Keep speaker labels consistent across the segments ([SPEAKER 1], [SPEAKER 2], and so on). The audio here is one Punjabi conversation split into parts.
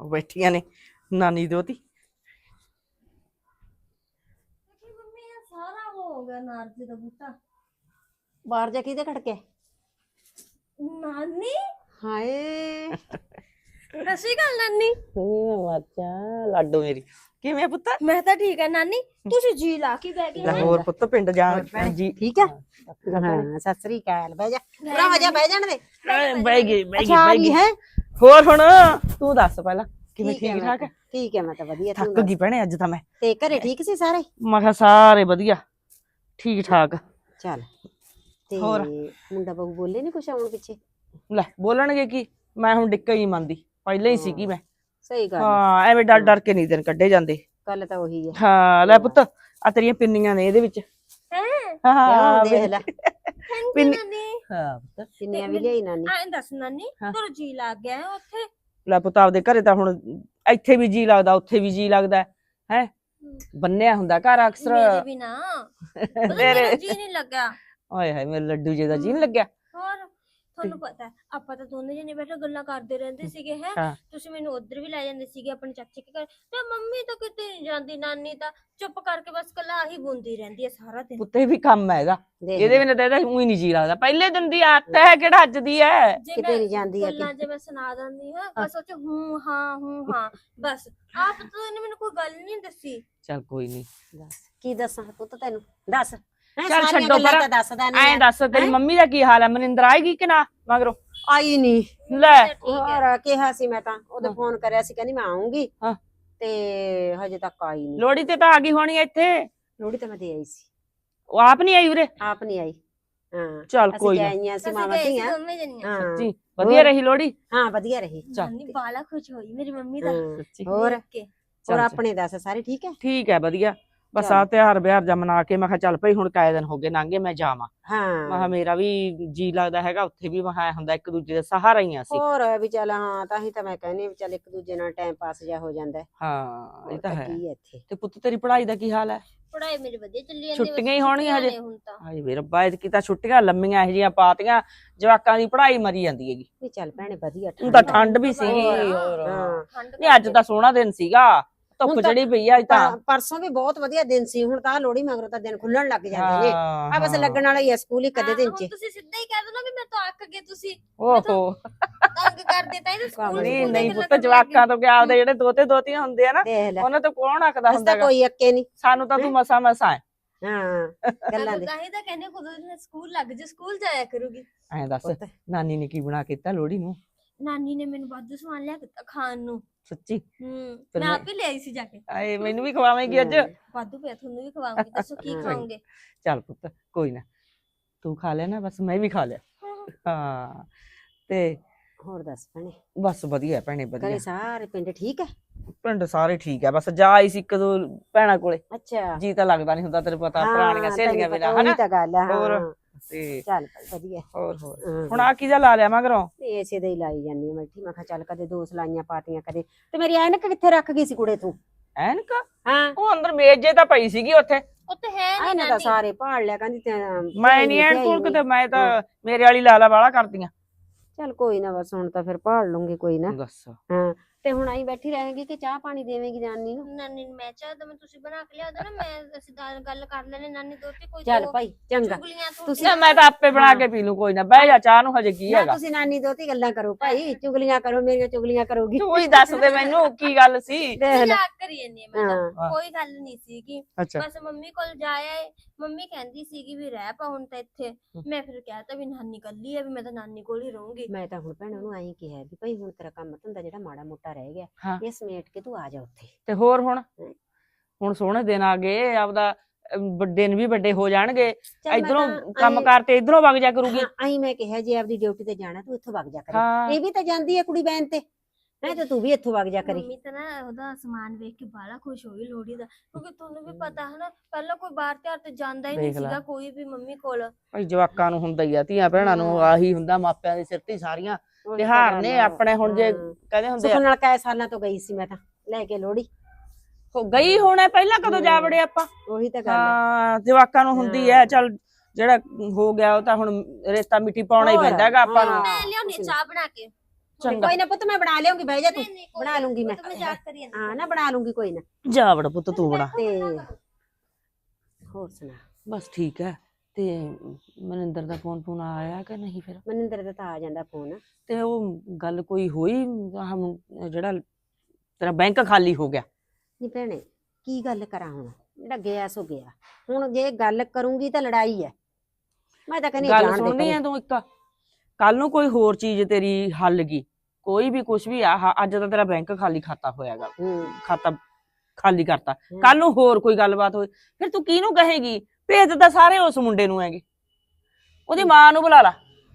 [SPEAKER 1] ਬੈਠੀਆਂ ਨੇ ਨਾਨੀ ਦੋਤੀ।
[SPEAKER 2] ਸਾਰਾ ਹੋ ਗਿਆ ਨਾਰਜੀ ਦਾ ਬੂਟਾ।
[SPEAKER 3] ਬਾਹਰ ਜਾ ਕਿਹਦੇ ਖੜਕੇ?
[SPEAKER 2] ਨਾਨੀ
[SPEAKER 3] ਹਾਏ
[SPEAKER 2] ਸਸੀ ਗੱਲ ਨਾਨੀ।
[SPEAKER 1] ਅੱਛਾ ਲਾਡੋ ਮੇਰੀ ਕਿਵੇਂ ਪੁੱਤ?
[SPEAKER 2] ਮੈਂ ਤਾਂ ਠੀਕ ਹੈ ਨਾਨੀ। ਤੁਸੀਂ ਜੀ ਲਾ ਕੇ ਬਹਿ ਗਏ।
[SPEAKER 1] ਹੋਰ ਪੁੱਤ ਪਿੰਡ ਜਾਣ ਜੀ
[SPEAKER 3] ਠੀਕ ਹੈ? ਹਾਂ ਸਤਿ ਸ੍ਰੀ ਅਕਾਲ। ਬਹਿ ਜਾ ਪੂਰਾ ਹੋ ਜਾ, ਬਹਿ ਜਾਣ ਦੇ।
[SPEAKER 1] ਬਹਿ ਗਈ
[SPEAKER 3] ਅੱਛਾ ਆ ਗਈ ਹੈ।
[SPEAKER 1] ਹੋਰ ਹੁਣ ਤੂੰ ਦੱਸ ਪਹਿਲਾਂ ਕਿਵੇਂ? ਠੀਕ ਠਾਕ ਹੈ?
[SPEAKER 3] ਠੀਕ ਹੈ ਮੈਂ ਤਾਂ ਵਧੀਆ।
[SPEAKER 1] ਥੱਕ ਗਈ ਭੈਣੇ ਅੱਜ ਤਾਂ ਮੈਂ।
[SPEAKER 3] ਤੇ ਘਰੇ ਠੀਕ ਸੀ ਸਾਰੇ?
[SPEAKER 1] ਮੈਂ ਕਿਹਾ ਸਾਰੇ ਵਧੀਆ ਠੀਕ ਠਾਕ।
[SPEAKER 3] ਚੱਲ ਤੇ
[SPEAKER 1] ਹੋਰ?
[SPEAKER 3] ਮੁੰਡਾ ਬਹੂ ਬੋਲੇ ਨੀ ਕੁਛ ਆਉਣ ਪਿੱਛੇ?
[SPEAKER 1] ਲੈ ਬੋਲਣਗੇ ਕੀ, ਮੈਂ ਹੁਣ ਡਿੱਕਾ ਹੀ ਨਹੀਂ ਮੰਨਦੀ, ਪਹਿਲਾਂ ਹੀ ਸੀਗੀ ਮੈਂ।
[SPEAKER 3] ਸਹੀ ਗੱਲ।
[SPEAKER 1] ਹਾਂ ਐਵੇਂ ਡਰ ਡਰ ਕੇ ਨਹੀਂ ਦਿਨ ਕੱਢੇ ਜਾਂਦੇ।
[SPEAKER 3] ਗੱਲ ਤਾਂ ਉਹੀ ਹੈ।
[SPEAKER 1] ਹਾਂ ਲੈ ਪੁੱਤ ਆ ਤੇਰੀਆਂ ਪਿੰਨੀਆਂ ਨੇ ਇਹਦੇ ਵਿੱਚ। ਹਾਂ
[SPEAKER 3] ਦੇਖ ਲੈ
[SPEAKER 1] ਪਿੰਨੀ।
[SPEAKER 2] ਨਾਨੀ
[SPEAKER 1] ਹਾਂ ਪੁੱਤ
[SPEAKER 3] ਕਿੰਨੀਆਂ ਵੀ ਲਿਆਈ ਨਾਨੀ।
[SPEAKER 2] ਐਂ ਦੱਸ ਨਾਨੀ ਤੇਰਾ ਜੀ ਲੱਗ ਗਿਆ ਹੈ ਉੱਥੇ?
[SPEAKER 1] ਲੈ ਪੁੱਤ ਆਪਦੇ ਘਰੇ ਤਾਂ ਹੁਣ ਇੱਥੇ ਵੀ ਜੀ ਲੱਗਦਾ, ਉੱਥੇ ਵੀ ਜੀ ਲੱਗਦਾ ਹੈ। ਬੰਨਿਆ ਹੁੰਦਾ ਘਰ ਅਕਸਰ।
[SPEAKER 2] ਮੇਰੇ ਵੀ ਨਾ ਮੇਰਾ ਜੀ ਨਹੀਂ ਲੱਗਾ।
[SPEAKER 1] ਓਏ ਹਾਏ ਮੇਰੇ ਲੱਡੂ ਜੀ ਦਾ ਜੀ ਨੀ ਲੱਗਿਆ।
[SPEAKER 2] ਹੋਰ ਤੁਹਾਨੂੰ ਪਤਾ ਆਪਾਂ ਤਾਂ ਦੋਨੇ ਜਣੇ ਬੈਠੇ ਗੱਲਾਂ ਕਰਦੇ ਰਹਿੰਦੇ ਸੀਗੇ ਹੈ। ਤੁਸੀਂ ਮੈਨੂੰ ਉਧਰ ਵੀ ਲੈ ਜਾਂਦੇ ਸੀਗੇ ਆਪਣੇ ਚਾਚੇ ਕੇ ਘਰ, ਤੇ ਮੰਮੀ ਤਾਂ ਕਿਤੇ ਨਹੀਂ ਜਾਂਦੀ। ਨਾਨੀ ਤਾਂ ਚੁੱਪ ਕਰਕੇ ਬਸ ਕੱਲਾ ਆਹੀ ਬੁੰਦੀ ਰਹਿੰਦੀ ਹੈ ਸਾਰਾ ਦਿਨ।
[SPEAKER 1] ਪੁੱਤੇ ਵੀ ਕੰਮ ਹੈਗਾ ਇਹਦੇ ਬਿਨਾਂ ਤਾਂ ਇਹਦਾ ਉਹੀ ਨਹੀਂ ਜੀ ਲੱਗਦਾ। ਪਹਿਲੇ ਦਿਨ ਦੀ ਆਦਤ ਹੈ, ਕਿਹੜਾ ਅੱਜ ਦੀ ਹੈ।
[SPEAKER 3] ਕਿਤੇ ਨਹੀਂ ਜਾਂਦੀ ਹੈ।
[SPEAKER 2] ਗੱਲਾਂ ਜੇ ਮੈਂ ਸੁਣਾ ਦਿੰਦੀ ਹਾਂ ਬਸ ਉਹ ਚ ਹੂੰ ਹਾਂ ਬਸ। ਆਪ ਤਾਂ ਇਹਨੇ ਮੈਨੂੰ ਕੋਈ ਗੱਲ ਨਹੀਂ ਦੱਸੀ।
[SPEAKER 1] ਚੱਲ ਕੋਈ ਨਹੀਂ।
[SPEAKER 3] ਦੱਸ ਕੀ ਦੱਸਾਂ ਪੁੱਤ ਤੈਨੂੰ? ਦੱਸ
[SPEAKER 1] ਚੱਲ ਛੱਡੋ ਪਰ ਐਂ ਦੱਸ ਤੇਰੀ ਮੰਮੀ ਦਾ ਕੀ ਹਾਲ ਹੈ? ਮਨਿੰਦਰ ਆਏਗੀ ਕਿ ਨਾ ਮਗਰੋਂ?
[SPEAKER 3] ਆਈ ਨਹੀਂ।
[SPEAKER 1] ਲੈ
[SPEAKER 3] ਹੋਰ ਕਿਹਾ ਸੀ ਮੈਂ ਤਾਂ, ਉਹਦੇ ਫੋਨ ਕਰਿਆ ਸੀ ਕਹਿੰਦੀ ਮੈਂ ਆਉਂਗੀ ਤੇ ਹਜੇ ਤੱਕ ਆਈ ਨਹੀਂ।
[SPEAKER 1] ਲੋਹੜੀ ਤੇ ਤਾਂ ਆ ਗਈ ਹੋਣੀ ਇੱਥੇ।
[SPEAKER 3] ਲੋਹੜੀ ਤਾਂ ਮੈਂ ਦੇ ਆਈ ਸੀ।
[SPEAKER 1] ਉਹ ਆਪ ਨਹੀਂ ਆਈ ਉਰੇ?
[SPEAKER 3] ਆਪ ਨਹੀਂ ਆਈ। ਹਾਂ
[SPEAKER 1] ਚੱਲ ਕੋਈ ਨਾ।
[SPEAKER 3] ਆਈਆਂ ਸੀ ਮਾਮਾ ਧੀਆਂ।
[SPEAKER 1] ਸੱਚੀ ਵਧੀਆ ਰਹੀ ਲੋਹੜੀ?
[SPEAKER 3] ਹਾਂ ਵਧੀਆ ਰਹੀ।
[SPEAKER 2] ਨਾਨੀ ਬਾਲਾ ਖੁਸ਼ ਹੋਈ ਮੇਰੀ ਮੰਮੀ ਦਾ।
[SPEAKER 3] ਹੋਰ ਹੋਰ ਆਪਣੇ ਦੱਸ ਸਾਰੇ ਠੀਕ ਹੈ?
[SPEAKER 1] ਠੀਕ ਹੈ ਵਧੀਆ। ਬਸ ਆ ਤਿਉਹਾਰ ਬਿਹਾਰ ਜਾ ਮਨਾ ਕੇ ਮੈਂ ਕਿਹਾ ਚੱਲ ਭਾਈ ਹੁਣ ਕਾਇ ਦਿਨ ਹੋ ਗਏ ਲੰਘੇ ਮੈਂ ਜਾਵਾਂ। ਮੈਂ ਕਿਹਾ ਮੇਰਾ ਵੀ ਜੀ ਲੱਗਦਾ ਹੈਗਾ ਉੱਥੇ ਵੀ। ਮੈਂ ਹੁੰਦਾ ਇੱਕ ਦੂਜੇ ਦਾ ਸਹਾਰਾ ਹੀ ਆ ਅਸੀਂ।
[SPEAKER 3] ਹੋਰ ਵੀ ਚੱਲ ਹਾਂ ਤਾਂ ਹੀ ਤਾਂ ਮੈਂ ਕਹਿੰਦੀ ਵੀ ਚੱਲ ਇੱਕ ਦੂਜੇ ਨਾਲ ਟਾਈਮ ਪਾਸ ਜਾ ਹੋ ਜਾਂਦਾ।
[SPEAKER 1] ਹਾਂ ਇਹ ਤਾਂ ਹੈ।
[SPEAKER 3] ਇੱਥੇ
[SPEAKER 1] ਤੇ ਪੁੱਤ ਤੇਰੀ ਪੜ੍ਹਾਈ ਦਾ ਕੀ ਹਾਲ ਹੈ?
[SPEAKER 2] ਪੜਾਈ ਮੇਰੀ ਵਧੀਆ ਚੱਲੀ ਜਾਂਦੀ।
[SPEAKER 1] ਛੁੱਟੀਆਂ ਹੀ ਹੋਣੀਆਂ ਹਜੇ। ਹਾਏ ਵੇ ਰੱਬਾ ਐਤਕੀ ਤਾਂ ਛੁੱਟੀਆਂ ਲੰਮੀਆਂ ਇਹੋ ਜਿਹੀਆਂ ਪਾਤੀਆਂ ਜਵਾਕਾਂ ਦੀ ਪੜ੍ਹਾਈ ਮਰੀ ਜਾਂਦੀ ਹੈਗੀ।
[SPEAKER 3] ਵੀ ਚੱਲ ਭੈਣੇ ਵਧੀਆ।
[SPEAKER 1] ਹੁਣ ਤਾਂ ਠੰਡ ਵੀ ਸੀਗੀ। ਹੋਰ ਨਹੀਂ ਅੱਜ ਤਾਂ ਸੋਹਣਾ ਦਿਨ ਸੀਗਾ। ਧੁੱਪ ਚੜੀ ਪਈ ਆ ਅੱਜ ਤਾਂ।
[SPEAKER 3] ਪਰਸੋਂ ਵੀ ਬਹੁਤ ਵਧੀਆ ਦਿਨ ਸੀ। ਹੁਣ ਤਾਂ ਲੋਹੜੀ ਮਗਰੋਂ ਤਾਂ ਦਿਨ ਖੁੱਲਣ ਲੱਗ ਜਾਂਦੇ ਨੇ। ਆ ਬਸ ਲੱਗਣ ਵਾਲਾ ਹੀ ਆ ਸਕੂਲ ਇੱਕ ਅੱਧੇ ਦਿਨ ਚ।
[SPEAKER 2] ਤੁਸੀਂ ਸਿੱਧਾ ਹੀ ਕਹਿ ਦੋ ਨਾ ਵੀ ਮੈਂ ਤਾਂ ਅੱਕ ਗਏ ਤੁਸੀਂ।
[SPEAKER 1] ਓਹੋ
[SPEAKER 2] ਤੰਗ ਕਰਦੇ ਤਾਂ ਇਹ ਸਕੂਲ
[SPEAKER 1] ਨਹੀਂ ਪੁੱਤ ਜਵਾਕਾਂ ਤੋਂ ਕਿਆ ਆਪਦੇ ਜਿਹੜੇ ਦੋਤੇ ਦੋਤੀਆਂ ਹੁੰਦੇ ਆ ਨਾ ਉਹਨਾਂ ਤੋਂ ਕੌਣ ਅੱਕਦਾ ਹੁੰਦਾ?
[SPEAKER 3] ਕੋਈ ਅੱਕੇ ਨਹੀਂ।
[SPEAKER 1] ਸਾਨੂੰ ਤਾਂ ਤੂੰ ਮਸਾ ਹੈ।
[SPEAKER 3] ਹਾਂ ਗੱਲਾਂ ਦੇ
[SPEAKER 2] ਤਾਂ ਹੀ ਤਾਂ ਕਹਿੰਦੇ ਖੁਦ ਸਕੂਲ ਲੱਗ ਜਾ, ਸਕੂਲ ਜਾਇਆ ਕਰੂਗੀ।
[SPEAKER 1] ਐਂ ਦੱਸ ਨਾਨੀ ਨੇ ਕੀ ਬਣਾ ਕੇ ਦਿੱਤਾ ਲੋਹੜੀ ਨੂੰ?
[SPEAKER 2] ਨਾਨੀ ਨੇ ਮੈਨੂੰ ਵਾਧੂ ਸਮਾਨ ਲਿਆ ਕੇ ਦਿੱਤਾ ਖਾਣ ਨੂੰ।
[SPEAKER 1] ਸੱਚੀ?
[SPEAKER 2] ਮੈਂ ਆਪ ਹੀ ਲੈ ਆਈ ਸੀ ਜਾ ਕੇ।
[SPEAKER 1] ਆਏ ਮੈਨੂੰ ਵੀ ਖਵਾਵੇਂਗੀ ਅੱਜ?
[SPEAKER 2] ਵਾਧੂ ਪਿਆ ਤੁਹਾਨੂੰ ਵੀ ਖਵਾਉਂਗੀ। ਦੱਸੋ ਕੀ ਖਾਓਗੇ?
[SPEAKER 1] ਚੱਲ ਪੁੱਤ ਕੋਈ ਨਾ ਤੂੰ ਖਾ ਲਿਆ ਨਾ ਬਸ ਮੈਂ ਵੀ ਖਾ ਲਿਆ। ਹਾਂ ਤੇ
[SPEAKER 3] ਹੋਰ ਦੱਸ ਭੈਣੇ?
[SPEAKER 1] ਬਸ ਵਧੀਆ ਭੈਣੇ ਵਧੀਆ।
[SPEAKER 3] ਸਾਰੇ ਪਿੰਡ ਠੀਕ ਹੈ?
[SPEAKER 1] ਪਿੰਡ ਸਾਰੇ ਠੀਕ ਹੈ। ਬਸ ਜਾ ਆਈ ਸੀ ਇੱਕ ਦੋ ਭੈਣਾਂ ਕੋਲੇ।
[SPEAKER 3] ਅੱਛਾ
[SPEAKER 1] ਜੀ ਤਾਂ ਲੱਗਦਾ ਨਹੀਂ ਹੁੰਦਾ ਤੈਨੂੰ ਪਤਾ ਪੁਰਾਣੀਆਂ ਸਹੇਲੀਆਂ ਵੇਲਾ ਹਨਾ।
[SPEAKER 3] ਤਾਂ ਗੱਲ ਹੈ।
[SPEAKER 1] ਹੋਰ ਤੇ
[SPEAKER 3] ਚੱਲ ਵਧੀਆ।
[SPEAKER 1] ਹੋਰ ਹੁਣ ਆ ਕੀ ਜਾ ਲਾ ਲਿਆ ਮਗਰੋਂ?
[SPEAKER 3] ਇਸੇ ਦੇ ਹੀ ਲਾਈ ਜਾਂਦੀ ਆ ਬੈਠੀ। ਮੈਂ ਕਿਹਾ ਚੱਲ ਕਦੇ ਦੋ ਸਲਾਈਆਂ ਪਾਤੀਆਂ ਕਦੇ। ਤੇ ਮੇਰੀ ਐਨਕ ਕਿੱਥੇ ਰੱਖ ਗਈ ਸੀ ਕੁੜੇ ਤੂੰ?
[SPEAKER 1] ਐਨਕ?
[SPEAKER 3] ਹਾਂ
[SPEAKER 1] ਉਹ ਅੰਦਰ ਮੇਜੇ ਤਾਂ ਪਈ ਸੀਗੀ ਉੱਥੇ।
[SPEAKER 2] ਉੱਥੇ ਹੈ ਨਹੀਂ
[SPEAKER 3] ਇਹਨਾਂ ਦਾ ਸਾਰੇ ਭਾਲ ਲਿਆ ਕਹਿੰਦੀ
[SPEAKER 1] ਮੈਂ ਨਹੀਂ ਐਨ ਕੋਲ ਕਿਤੇ। ਮੈਂ ਤਾਂ ਮੇਰੇ ਵਾਲੀ ਲਾਲਾ ਵਾਲਾ ਕਰਦੀਆਂ।
[SPEAKER 3] ਚੱਲ ਕੋਈ ਨਾ ਬਸ ਹੁਣ ਤਾਂ ਫਿਰ ਭਾਲ ਲੂੰਗੀ ਕੋਈ ਨਾ।
[SPEAKER 1] ਦੱਸ
[SPEAKER 3] ਹਾਂ ਤੇ ਹੁਣ ਆਈ ਬੈਠੀ ਰਹੇਗੀ ਕਿ ਚਾਹ ਪਾਣੀ ਦੇਵੇਂਗੀ ਨਾਨੀ ਨੂੰ?
[SPEAKER 2] ਨਾਨੀ ਨੂੰ ਮੈਂ ਚਾਹ ਦਵਾਂ? ਤੁਸੀਂ ਬਣਾ ਕੇ ਲਿਆ ਦੋ ਨਾ। ਮੈਂ ਅਸੀਂ ਗੱਲ ਕਰ ਲੈਣੇ ਨਾਨੀ ਦੋਤੀ ਕੋਈ।
[SPEAKER 3] ਚੱਲ ਭਾਈ ਚੰਗਾ।
[SPEAKER 1] ਤੁਸੀਂ ਮੈਂ ਤਾਂ ਆਪੇ ਬਣਾ ਕੇ ਪੀ ਲੂ ਕੋਈ ਨਾ। ਬਹਿ ਜਾ ਚਾਹ ਨੂੰ ਹਜੇ ਕੀ ਹੈਗਾ।
[SPEAKER 3] ਤੁਸੀਂ ਨਾਨੀ ਦੋਤੀ ਗੱਲਾਂ ਕਰੋ ਭਾਈ। ਚੁਗਲੀਆਂ ਕਰੋ ਮੇਰੀਆਂ ਚੁਗਲੀਆਂ ਕਰੋਗੀ।
[SPEAKER 1] ਤੂੰ ਹੀ ਦੱਸ ਦੇ ਮੈਨੂੰ ਕੀ ਗੱਲ ਸੀ।
[SPEAKER 2] ਮਜ਼ਾਕ ਕਰੀ ਜਾਂਦੀ ਮੈਂ ਤਾਂ। ਕੋਈ ਗੱਲ ਨਹੀਂ ਸੀਗੀ। ਬਸ ਮੰਮੀ ਕੋਲ ਜਾਇਆ। ਮੰਮੀ ਕਹਿੰਦੀ ਸੀਗੀ ਵੀ ਰਹਿ ਪਾ ਹੁਣ ਤਾਂ ਇੱਥੇ। ਮੈਂ ਫਿਰ ਕਹਿਤਾ ਵੀ ਨਾਨੀ ਕੱਲੀ ਆ ਵੀ ਮੈਂ ਤਾਂ ਨਾਨੀ ਕੋਲ ਹੀ ਰਹੂੰਗੀ।
[SPEAKER 3] ਮੈਂ ਤਾਂ ਹੁਣ ਭੈਣ ਨੂੰ ਆਈ ਕਿਹਾ ਵੀ ਭਾਈ ਹੁਣ ਤੇਰਾ ਕੰਮ ਧੰਦਾ ਜਿਹੜਾ ਮਾੜਾ ਮੋਟਾ ਰਹਿ ਗਿਆ ਇਹ ਸਮੇਟ ਕੇ ਤੂੰ ਆ ਜਾ ਉੱਥੇ।
[SPEAKER 1] ਤੇ ਹੋਰ ਹੁਣ ਸੋਹਣੇ ਦਿਨ ਆ ਗਏ। ਆਪਦਾ ਦਿਨ ਵੀ ਵੱਡੇ ਹੋ ਜਾਣਗੇ। ਇਧਰੋਂ ਕੰਮ ਕਰਤੇ ਇਧਰੋਂ ਵਗ ਜਾ ਕਰੂਗੀ।
[SPEAKER 3] ਆਈ ਮੈਂ ਕਿਹਾ ਜੇ ਆਪਦੀ ਡਿਊਟੀ ਤੇ ਜਾਣਾ ਤੂੰ ਇੱਥੋਂ ਵਗ ਜਾ ਕਰੇ। ਇਹ ਵੀ ਤਾਂ ਜਾਂਦੀ ਹੈ ਕੁੜੀ ਬੈਨ ਤੇ। ਮੈਂ ਤੇ ਤੂੰ ਵੀ ਇੱਥੋਂ ਵਗ ਜਾ ਕਰੀ।
[SPEAKER 2] ਮੰਮੀ ਤਾਂ ਨਾ ਉਹਦਾ ਸਮਾਨ ਵੇਖ ਕੇ ਬਾਲਾ ਖੁਸ਼ ਹੋਈ ਲੋਹੜੀ ਦਾ। ਕਿਉਂਕਿ ਤੁਹਾਨੂੰ ਵੀ ਪਤਾ ਹੈ ਨਾ ਪਹਿਲਾਂ ਕੋਈ ਬਾਹਰ ਤਿਉਹਾਰ ਤੇ ਜਾਂਦਾ ਹੀ ਨਹੀਂ ਸੀਗਾ ਕੋਈ ਵੀ ਮੰਮੀ ਕੋਲ।
[SPEAKER 1] ਭਾਈ ਜਵਾਕਾਂ ਨੂੰ ਹੁੰਦਾ ਹੀ ਆ। ਧੀਆਂ ਭੈਣਾਂ ਨੂੰ ਆਹੀ ਹੁੰਦਾ। ਮਾਪਿਆਂ ਦੇ ਸਿਰ ਤੇ ਸਾਰੀਆਂ ਤਿਉਹਾਰ ਨੇ ਆਪਣੇ। ਹੁਣ ਜੇ ਕਹਿੰਦੇ ਹੁੰਦੇ
[SPEAKER 3] ਸੁਖ ਨਾਲ ਕਈ ਸਾਲਾਂ ਤੋਂ ਗਈ ਸੀ ਮੈਂ ਤਾਂ ਲੈ ਕੇ ਲੋਹੜੀ।
[SPEAKER 1] ਗਈ ਹੋਣਾ ਪਹਿਲਾਂ ਕਦੋਂ ਜਾ ਵੜੇ ਆਪਾਂ?
[SPEAKER 3] ਉਹੀ ਤਾਂ ਗੱਲ ਹੈ।
[SPEAKER 1] ਜਵਾਕਾਂ ਨੂੰ ਹੁੰਦੀ ਹੈ। ਚੱਲ ਜਿਹੜਾ ਹੋ ਗਿਆ ਉਹ ਤਾਂ ਹੁਣ ਰਿਸ਼ਤਾ ਮਿੱਟੀ ਪਾਉਣਾ ਹੀ ਪੈਂਦਾ ਹੈਗਾ ਆਪਾਂ ਨੂੰ।
[SPEAKER 2] ਮੈਂ ਲਿਆਉਣੀ ਚਾਹ ਬਣਾ ਕੇ।
[SPEAKER 1] ਚੰਗਾ
[SPEAKER 3] ਕੋਈ ਨਾ ਪੁੱਤ ਮੈਂ ਬਣਾ ਲਿਆਉਂਗੀ, ਬਹਿ ਜਾ ਤੂੰ।
[SPEAKER 2] ਨਹੀਂ, ਕੋਈ
[SPEAKER 3] ਬਣਾ ਲੂੰਗੀ ਮੈਂ।
[SPEAKER 2] ਉਹ ਤਾਂ ਮਜ਼ਾਕ ਕਰੀ ਜਾਂਦੀ
[SPEAKER 3] ਹਾਂ ਨਾ ਬਣਾ ਲੂੰਗੀ ਕੋਈ ਨਾ।
[SPEAKER 1] ਜਾ ਵੜ ਪੁੱਤ ਤੂੰ ਬਣਾ।
[SPEAKER 3] ਤੇ ਹੋਰ ਸੁਣਾ।
[SPEAKER 1] ਬਸ ਠੀਕ ਹੈ। ਤੇ ਮਨਿੰਦਰ ਦਾ ਫੋਨ ਆਇਆ ਕਿ ਨਹੀਂ ਫਿਰ?
[SPEAKER 3] ਮਨਿੰਦਰ ਦਾ ਤਾਂ ਆ ਜਾਂਦਾ ਫੋਨ।
[SPEAKER 1] ਤੇ ਉਹ ਗੱਲ ਕੋਈ ਹੋਈ ਜਿਹੜਾ ਤੇਰਾ ਬੈਂਕ ਖਾਲੀ ਹੋ ਗਿਆ?
[SPEAKER 3] ਨਹੀਂ ਭੈਣੇ ਕੀ ਗੱਲ ਕਰਾਂ ਹੁਣ, ਜਿਹੜਾ ਗਿਆ ਸੋ ਗਿਆ। ਹੁਣ ਜੇ ਗੱਲ ਕਰੂੰਗੀ ਤਾਂ ਲੜਾਈ ਹੈ। ਮੈਂ ਤਾਂ ਕਹਿੰਦੀ
[SPEAKER 1] ਗੱਲ
[SPEAKER 3] ਜਾਣ ਦੇ
[SPEAKER 1] ਸੁਣਨੀ
[SPEAKER 3] ਪਰੇ।
[SPEAKER 1] ਹੈ ਤੂੰ? ਇੱਕ ਕੱਲ ਨੂੰ ਕੋਈ ਹੋਰ ਚੀਜ਼ ਤੇਰੀ ਹੱਲ ਗਈ, ਕੋਈ ਵੀ ਕੁਛ ਵੀ ਆ, ਅੱਜ ਤਾਂ ਤੇਰਾ ਬੈਂਕ ਖਾਲੀ ਖਾਤਾ ਹੋਇਆਗਾ, ਖਾਤਾ ਖਾਲੀ ਕਰਤਾ, ਕੱਲ ਨੂੰ ਹੋਰ ਕੋਈ ਗੱਲਬਾਤ ਹੋਈ ਫਿਰ ਤੂੰ ਕਿਹਨੂੰ ਕਹੇਗੀ? ਭੇਜ ਤਾਂ ਸਾਰੇ ਉਸ ਮੁੰਡੇ ਨੂੰ ਹੈਗੇ, ਉਹਦੀ ਮਾਂ ਨੂੰ ਬੁਲਾ ਲਾ।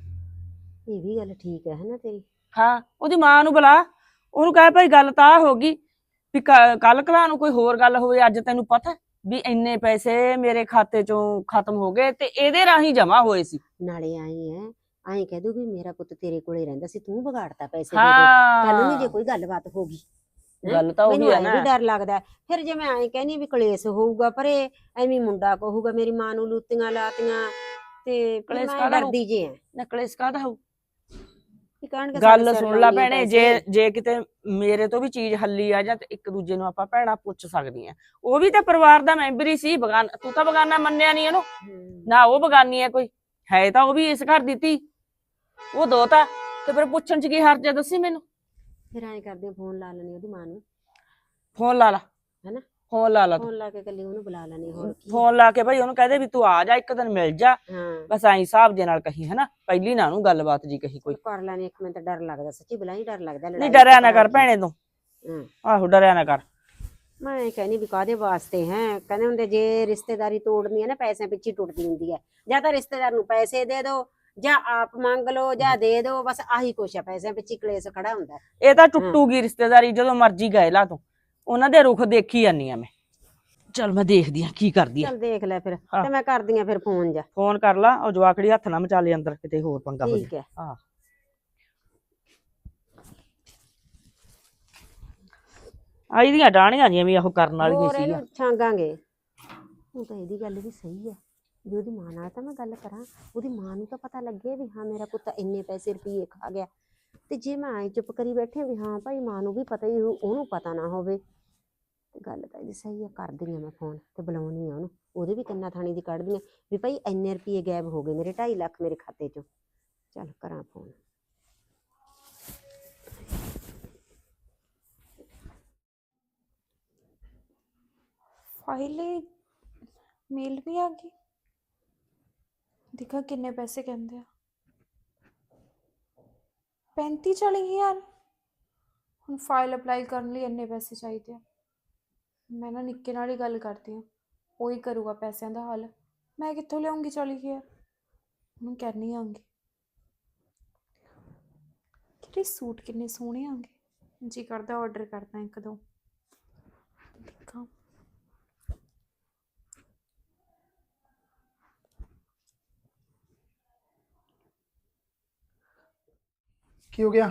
[SPEAKER 3] ਇਹ ਵੀ ਗੱਲ ਠੀਕ ਹੈ ਨਾ ਤੇਰੀ।
[SPEAKER 1] ਹਾਂ ਉਹਦੀ ਮਾਂ ਨੂੰ ਬੁਲਾ, ਉਹਨੂੰ ਕਹੇ ਭਾਈ ਗੱਲ ਤਾਂ ਹੋ ਗਈ ਵੀ ਕੱਲ ਕਲਾ ਨੂੰ ਕੋਈ ਹੋਰ ਗੱਲ ਹੋਵੇ, ਅੱਜ ਤੈਨੂੰ ਪਤਾ ਵੀ ਇੰਨੇ ਪੈਸੇ ਮੇਰੇ ਖਾਤੇ ਚੋਂ ਖਤਮ ਹੋ ਗਏ ਤੇ ਇਹਦੇ ਰਾਹੀਂ ਜਮਾ ਹੋਏ ਸੀ।
[SPEAKER 3] ਨਾਲੇ ਆਏ ਕਹਿ ਦੂਗੀ ਮੇਰਾ ਪੁੱਤ ਤੇਰੇ ਕੋਲੇ ਰਹਿੰਦਾ ਸੀ, ਤੂੰ ਵਿਗਾੜਤਾ ਪੈਸੇ ਦੇ ਦੇ। ਕੱਲ ਨੂੰ ਜੇ ਕੋਈ ਗੱਲਬਾਤ ਹੋ ਗਈ,
[SPEAKER 1] ਗੱਲ ਤਾਂ ਉਹੀ ਹੈ ਨਾ।
[SPEAKER 3] ਮੈਨੂੰ ਡਰ ਲੱਗਦਾ ਫਿਰ ਜੇ ਮੈਂ ਕਹਿੰਨੀ ਵੀ ਕਲੇਸ਼ ਹੋਊਗਾ, ਪਰ ਐਵੇਂ ਮੁੰਡਾ ਕਹੂਗਾ ਮੇਰੀ ਮਾਂ ਨੂੰ ਲੂਤੀਆਂ ਲਾਤੀਆਂ, ਤੇ
[SPEAKER 1] ਕਲੇਸ਼
[SPEAKER 3] ਮੈਂ
[SPEAKER 1] ਕਾਹਦਾ
[SPEAKER 3] ਡਰਦੀ ਜੇ
[SPEAKER 1] ਨਾ ਕਲੇਸ਼ ਕਾਹਦਾ ਹੋਊ?
[SPEAKER 3] ਕਹਿਣਗੇ
[SPEAKER 1] ਗੱਲ ਸੁਣ ਲੈ ਭੈਣੇ, ਜੇ ਕਿਤੇ ਮੇਰੇ ਤੋਂ ਵੀ ਚੀਜ਼ ਹੱਲੀ ਆ ਜਾਂ ਤੇ ਇੱਕ ਦੂਜੇ ਨੂੰ ਆਪਾਂ ਭੈਣਾ ਪੁੱਛ ਸਕਦੀਆਂ। ਉਹ ਵੀ ਤਾਂ ਪਰਿਵਾਰ ਦਾ ਮੈਂਬਰ ਹੀ ਸੀ। ਤੂੰ ਤਾਂ ਬਗਾਨਾ ਮੰਨਿਆ ਨਹੀਂ ਇਹਨੂੰ ਨਾ, ਉਹ ਬਗਾਨੀ ਹੈ ਕੋਈ ਹੈ ਤਾਂ ਉਹ ਵੀ ਇਸ ਘਰ ਦੀ ਧੀ, ਉਹ ਦੋਤਾ, ਤੇ ਫਿਰ ਪੁੱਛਣ ਚ ਕੀ ਹਰਜ ਹੈ ਦੱਸੀ ਮੈਨੂੰ?
[SPEAKER 3] ਫਿਰ ਐਂ ਕਰਦੇ ਫੋਨ ਲਾ ਲੈਣੀ ਉਹਦੀ ਮਾਂ ਨੂੰ।
[SPEAKER 1] ਫੋਨ ਲਾ ਲਾ
[SPEAKER 3] ਹੈਨਾ,
[SPEAKER 1] ਫੋਨ ਲਾ ਲਾ,
[SPEAKER 3] ਫੋਨ ਲਾ ਕੇ ਕੱਲੀ ਉਹਨੂੰ ਬੁਲਾ ਲੈਣੀ। ਹੋਰ ਕੀ
[SPEAKER 1] ਫੋਨ ਲਾ ਕੇ ਭਾਈ ਉਹਨੂੰ ਕਹਦੇ ਵੀ ਤੂੰ ਆ ਜਾ, ਇੱਕ ਦਿਨ ਮਿਲ ਜਾ,
[SPEAKER 3] ਹਾਂ
[SPEAKER 1] ਬਸ ਐਂ ਹਿਸਾਬ ਦੇ ਨਾਲ ਕਹੀ, ਹਨਾ, ਪਹਿਲੀ ਨਾ ਉਹਨੂੰ ਗੱਲਬਾਤ ਜੀ ਕਹੀ ਕੋਈ।
[SPEAKER 3] ਕਰ ਲੈਣੀ। ਇੱਕ ਮਿੰਟ ਡਰ ਲੱਗਦਾ ਸੱਚੀ, ਬੁਲਾਈ ਡਰ ਲੱਗਦਾ।
[SPEAKER 1] ਨਹੀਂ ਡਰਿਆ ਨਾ ਕਰ ਭੈਣੇ ਤੂੰ, ਆਹੋ ਡਰਿਆ ਨਾ ਕਰ।
[SPEAKER 3] ਮੈਂ ਕਹਿੰਦੀ ਵੀ ਕਾਹਦੇ ਵਾਸਤੇ ਹੈ, ਕਹਿੰਦੇ ਹੁੰਦੇ ਜੇ ਰਿਸ਼ਤੇਦਾਰੀ ਤੋੜਨੀ ਹੈ ਨਾ ਪੈਸਿਆਂ ਪਿੱਛੇ ਟੁੱਟਦੀ ਹੁੰਦੀ ਹੈ। ਜਾਂ ਤਾਂ ਰਿਸ਼ਤੇਦਾਰ ਨੂੰ ਪੈਸੇ ਦੇ ਦਿਓ, ਜਾਂ ਆਪ ਮੰਗ ਲਓ, ਜਾਂ ਦੇ ਦਿਓ, ਬਸ ਆਹੀ ਕੁਛ ਹੈ, ਪੈਸਿਆਂ ਪਿੱਛੇ ਕਲੇਸ਼ ਖੜਾ ਹੁੰਦਾ।
[SPEAKER 1] ਇਹ ਤਾਂ ਟੁੱਟੂਗੀ ਰਿਸ਼ਤੇਦਾਰੀ ਜਦੋਂ ਮਰਜੀ ਗਏ ਲਾ, ਤੂੰ ਉਹਨਾਂ ਦੇ ਰੁਖ ਦੇਖੀ ਜਾਨੀ ਆ ਮੈਂ। ਚੱਲ ਮੈਂ ਦੇਖਦੀ ਆ ਕੀ ਕਰਦੀ ਆ।
[SPEAKER 3] ਚੱਲ ਦੇਖ ਲੈ ਫਿਰ, ਤੇ ਮੈਂ ਕਰਦੀ ਆ ਫਿਰ ਫੋਨ। ਜਾ
[SPEAKER 1] ਫੋਨ ਕਰ ਲਾ, ਉਹ ਜਵਾਕੜੀ ਹੱਥ ਨਾ ਮਚਾ ਲੈ ਅੰਦਰ, ਕਿਤੇ ਹੋਰ ਪੰਗਾ ਹੋ
[SPEAKER 3] ਠੀਕ ਹੈ।
[SPEAKER 1] ਹਾਂ ਆਈ ਦੀਆਂ ਡਾਣੀਆਂ ਜਿਵੇਂ ਵੀ ਉਹ ਕਰਨ ਵਾਲੀਆਂ ਸੀ।
[SPEAKER 3] ਇਹਨੂੰ ਛਾਂਗਾਂਗੇ। ਹੁਣ ਤਾਂ ਇਹਦੀ ਗੱਲ ਵੀ ਸਹੀ ਹੈ ਵੀ ਉਹਦੀ ਮਾਂ ਨਾਲ ਤਾਂ ਮੈਂ ਗੱਲ ਕਰਾਂ, ਉਹਦੀ ਮਾਂ ਨੂੰ ਤਾਂ ਪਤਾ ਲੱਗੇ ਵੀ ਹਾਂ ਮੇਰਾ ਪੁੱਤ ਇੰਨੇ ਪੈਸੇ ਰੁਪਈਏ ਖਾ ਗਿਆ। ਤੇ ਜੇ ਮੈਂ ਆਏ ਚੁੱਪ ਕਰੀ ਬੈਠੀ ਵੀ ਹਾਂ ਭਾਈ ਮਾਂ ਨੂੰ ਵੀ ਪਤਾ ਹੀ ਉਹਨੂੰ ਪਤਾ ਨਾ ਹੋਵੇ, ਤੇ ਗੱਲ ਤਾਂ ਇਹਦੀ ਸਹੀ ਹੈ। ਕਰਦੀ ਆ ਮੈਂ ਫੋਨ ਤੇ ਬੁਲਾਉਣੀ ਆ ਉਹਨੂੰ, ਉਹਦੇ ਵੀ ਕੰਨਾਂ ਥਾਣੀ ਦੀ ਕੱਢਦੀ ਆ ਵੀ ਭਾਈ ਇੰਨੇ ਰੁਪਈਏ ਗਾਇਬ ਹੋ ਗਏ ਮੇਰੇ, 2.5 ਲੱਖ ਮੇਰੇ ਖਾਤੇ ਚੋਂ। ਚੱਲ ਕਰਾਂ ਫੋਨ।
[SPEAKER 4] फाइल मेल भी आ गई, देखा किन्ने पैसे कहते हैं 35-40 हज़ार। हम फाइल अप्लाई करने लिए इन्ने पैसे चाहिए। मैं ना निक्के नाल ही गल करती हूँ, वो ही करूँगा पैसों का हल। मैं कित्थों लियाऊंगी 40 हज़ार? हूँ कहनी आंगी कि सूट किन्ने सोहने आंगे, जी करदा ऑर्डर करदा एक दो। देखा
[SPEAKER 5] ਕੀ ਹੋ ਗਿਆ?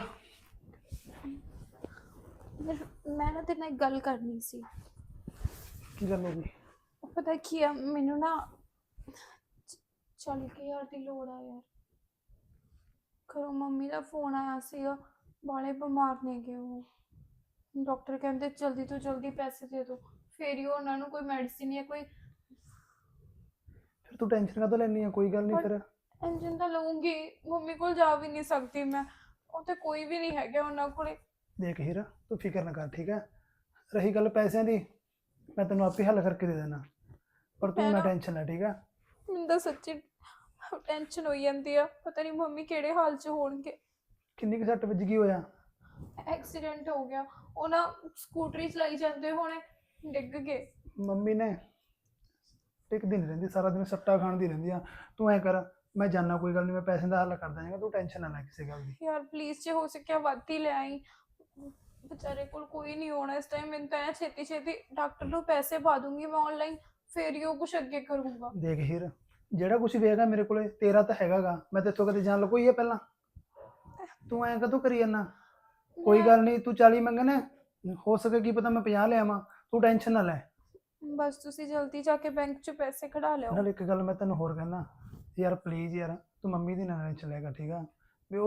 [SPEAKER 4] मैं ना तेरे नाल गल करनी सी।
[SPEAKER 5] ਕੀ ਗੱਲ ਹੋ ਗਈ?
[SPEAKER 4] पता की है, मैनू ना 40 हज़ार की लोड़ आ यार। घरों मम्मी का फोन आया सीगा, बाले बीमार ने गए वो। डॉक्टर कहते जल्दी तो जल्दी पैसे दे दो, फिर ही उन्होंने कोई मेडिसिन या कोई।
[SPEAKER 5] ਫਿਰ ਤੂੰ ਟੈਨਸ਼ਨ ਕਾਹਤੋਂ ਲੈਣੀ ਆ? ਕੋਈ ਗੱਲ ਨਹੀਂ ਫਿਰ।
[SPEAKER 4] टेंशन तो लूंगी, मम्मी को जा भी नहीं सकती मैं, उत्थे कोई भी नहीं है उन्होंने कोले।
[SPEAKER 5] ਦੇਖ ਹੀਰਾ, ਤੂੰ ਫਿਕਰ ਨਾ ਕਰ, ਠੀਕ ਹੈ? ਰਹੀ ਗੱਲ ਪੈਸਿਆਂ ਦੀ, ਮੈਂ ਤੈਨੂੰ ਆਪੇ ਹੱਲ ਕਰਕੇ ਦੇ ਦੇਣਾ, ਪਰ ਤੂੰ ਨਾ ਟੈਨਸ਼ਨ ਲੈ, ਠੀਕ ਹੈ?
[SPEAKER 4] ਮੈਨੂੰ ਤਾਂ ਸੱਚੀ ਟੈਨਸ਼ਨ ਹੋਈ ਜਾਂਦੀ ਆ, ਪਤਾ ਨਹੀਂ ਮੰਮੀ ਕਿਹੜੇ ਹਾਲ 'ਚ ਹੋਣਗੇ।
[SPEAKER 5] ਕਿੰਨੀ ਕੁ ਸੱਟ ਵੱਜ ਗਈ ਹੋਇਆ?
[SPEAKER 4] ਐਕਸੀਡੈਂਟ ਹੋ ਗਿਆ, ਉਹ ਨਾ ਸਕੂਟਰੀ ਚਲਾਈ ਜਾਂਦੇ ਹੋਣੇ ਡਿੱਗ ਗਏ।
[SPEAKER 5] ਮੰਮੀ ਨੇ ਟਿਕਦੀ ਨਹੀਂ ਰਹਿੰਦੀ, ਸਾਰਾ ਦਿਨ ਸੱਟਾ ਖਾਣ ਦੀ ਰਹਿੰਦੀ ਆ। ਤੂੰ ਐ ਕਰ, ਮੈਂ ਜਾਣਾ, ਕੋਈ ਗੱਲ ਨਹੀਂ, ਮੈਂ ਪੈਸੇ ਦਾ ਹੱਲ ਕਰ ਦਾਂਗਾ, ਤੂੰ ਟੈਨਸ਼ਨ ਨਾ ਲੈ ਕਿਸੇ ਗੱਲ ਦੀ।
[SPEAKER 4] ਯਾਰ ਪਲੀਜ਼ ਜੇ ਹੋ ਸਕਿਆ ਵੱਧ ਹੀ ਲੈ ਆਈ, ਵਿਚਾਰੇ ਕੋਲ ਕੋਈ ਨਹੀਂ ਹੋਣਾ ਇਸ ਟਾਈਮ। ਮੈਨੂੰ ਤਾਂ ਛੇਤੀ ਛੇਤੀ ਡਾਕਟਰ ਨੂੰ ਪੈਸੇ ਪਾ ਦੂੰਗੀ ਮੈਂ ਆਨਲਾਈਨ, ਫਿਰ ਹੀ ਉਹ ਕੁਝ ਅੱਗੇ ਕਰੂੰਗਾ।
[SPEAKER 5] ਦੇਖ ਹੀਰ, ਜਿਹੜਾ ਕੁਝ ਵੀ ਹੈਗਾ ਮੇਰੇ ਕੋਲੇ ਤੇਰਾ ਤਾਂ ਹੈਗਾਗਾ, ਮੈਂ ਤੇਥੋਂ ਕਦੇ ਜਾਣ ਲਕੋਈ ਹੈ ਪਹਿਲਾਂ? ਤੂੰ ਐਂ ਕਦੋਂ ਕਰੀ ਜਾਂਦਾ? ਕੋਈ ਗੱਲ ਨਹੀਂ, ਤੂੰ 40 ਮੰਗਣਾ, ਹੋ ਸਕੇ ਕੀ ਪਤਾ ਮੈਂ 50 ਲਿਆਵਾਂ, ਤੂੰ ਟੈਨਸ਼ਨ ਨਾ ਲੈ।
[SPEAKER 4] ਬਸ ਤੁਸੀਂ ਜਲਦੀ ਜਾ ਕੇ ਬੈਂਕ 'ਚ ਪੈਸੇ ਕਢਾ ਲਿਓ।
[SPEAKER 5] ਨਾਲ ਇੱਕ ਗੱਲ ਮੈਂ ਤੈਨੂੰ ਹੋਰ ਕਹਿਣਾ ਯਾਰ, ਪਲੀਜ਼ ਯਾਰ, ਤੂੰ ਮੰਮੀ ਦੀ ਨਾ ਟੈਨਸ਼ਨ ਲੈ, ਠੀਕ ਆ? ਵੀ ਉਹਦੀ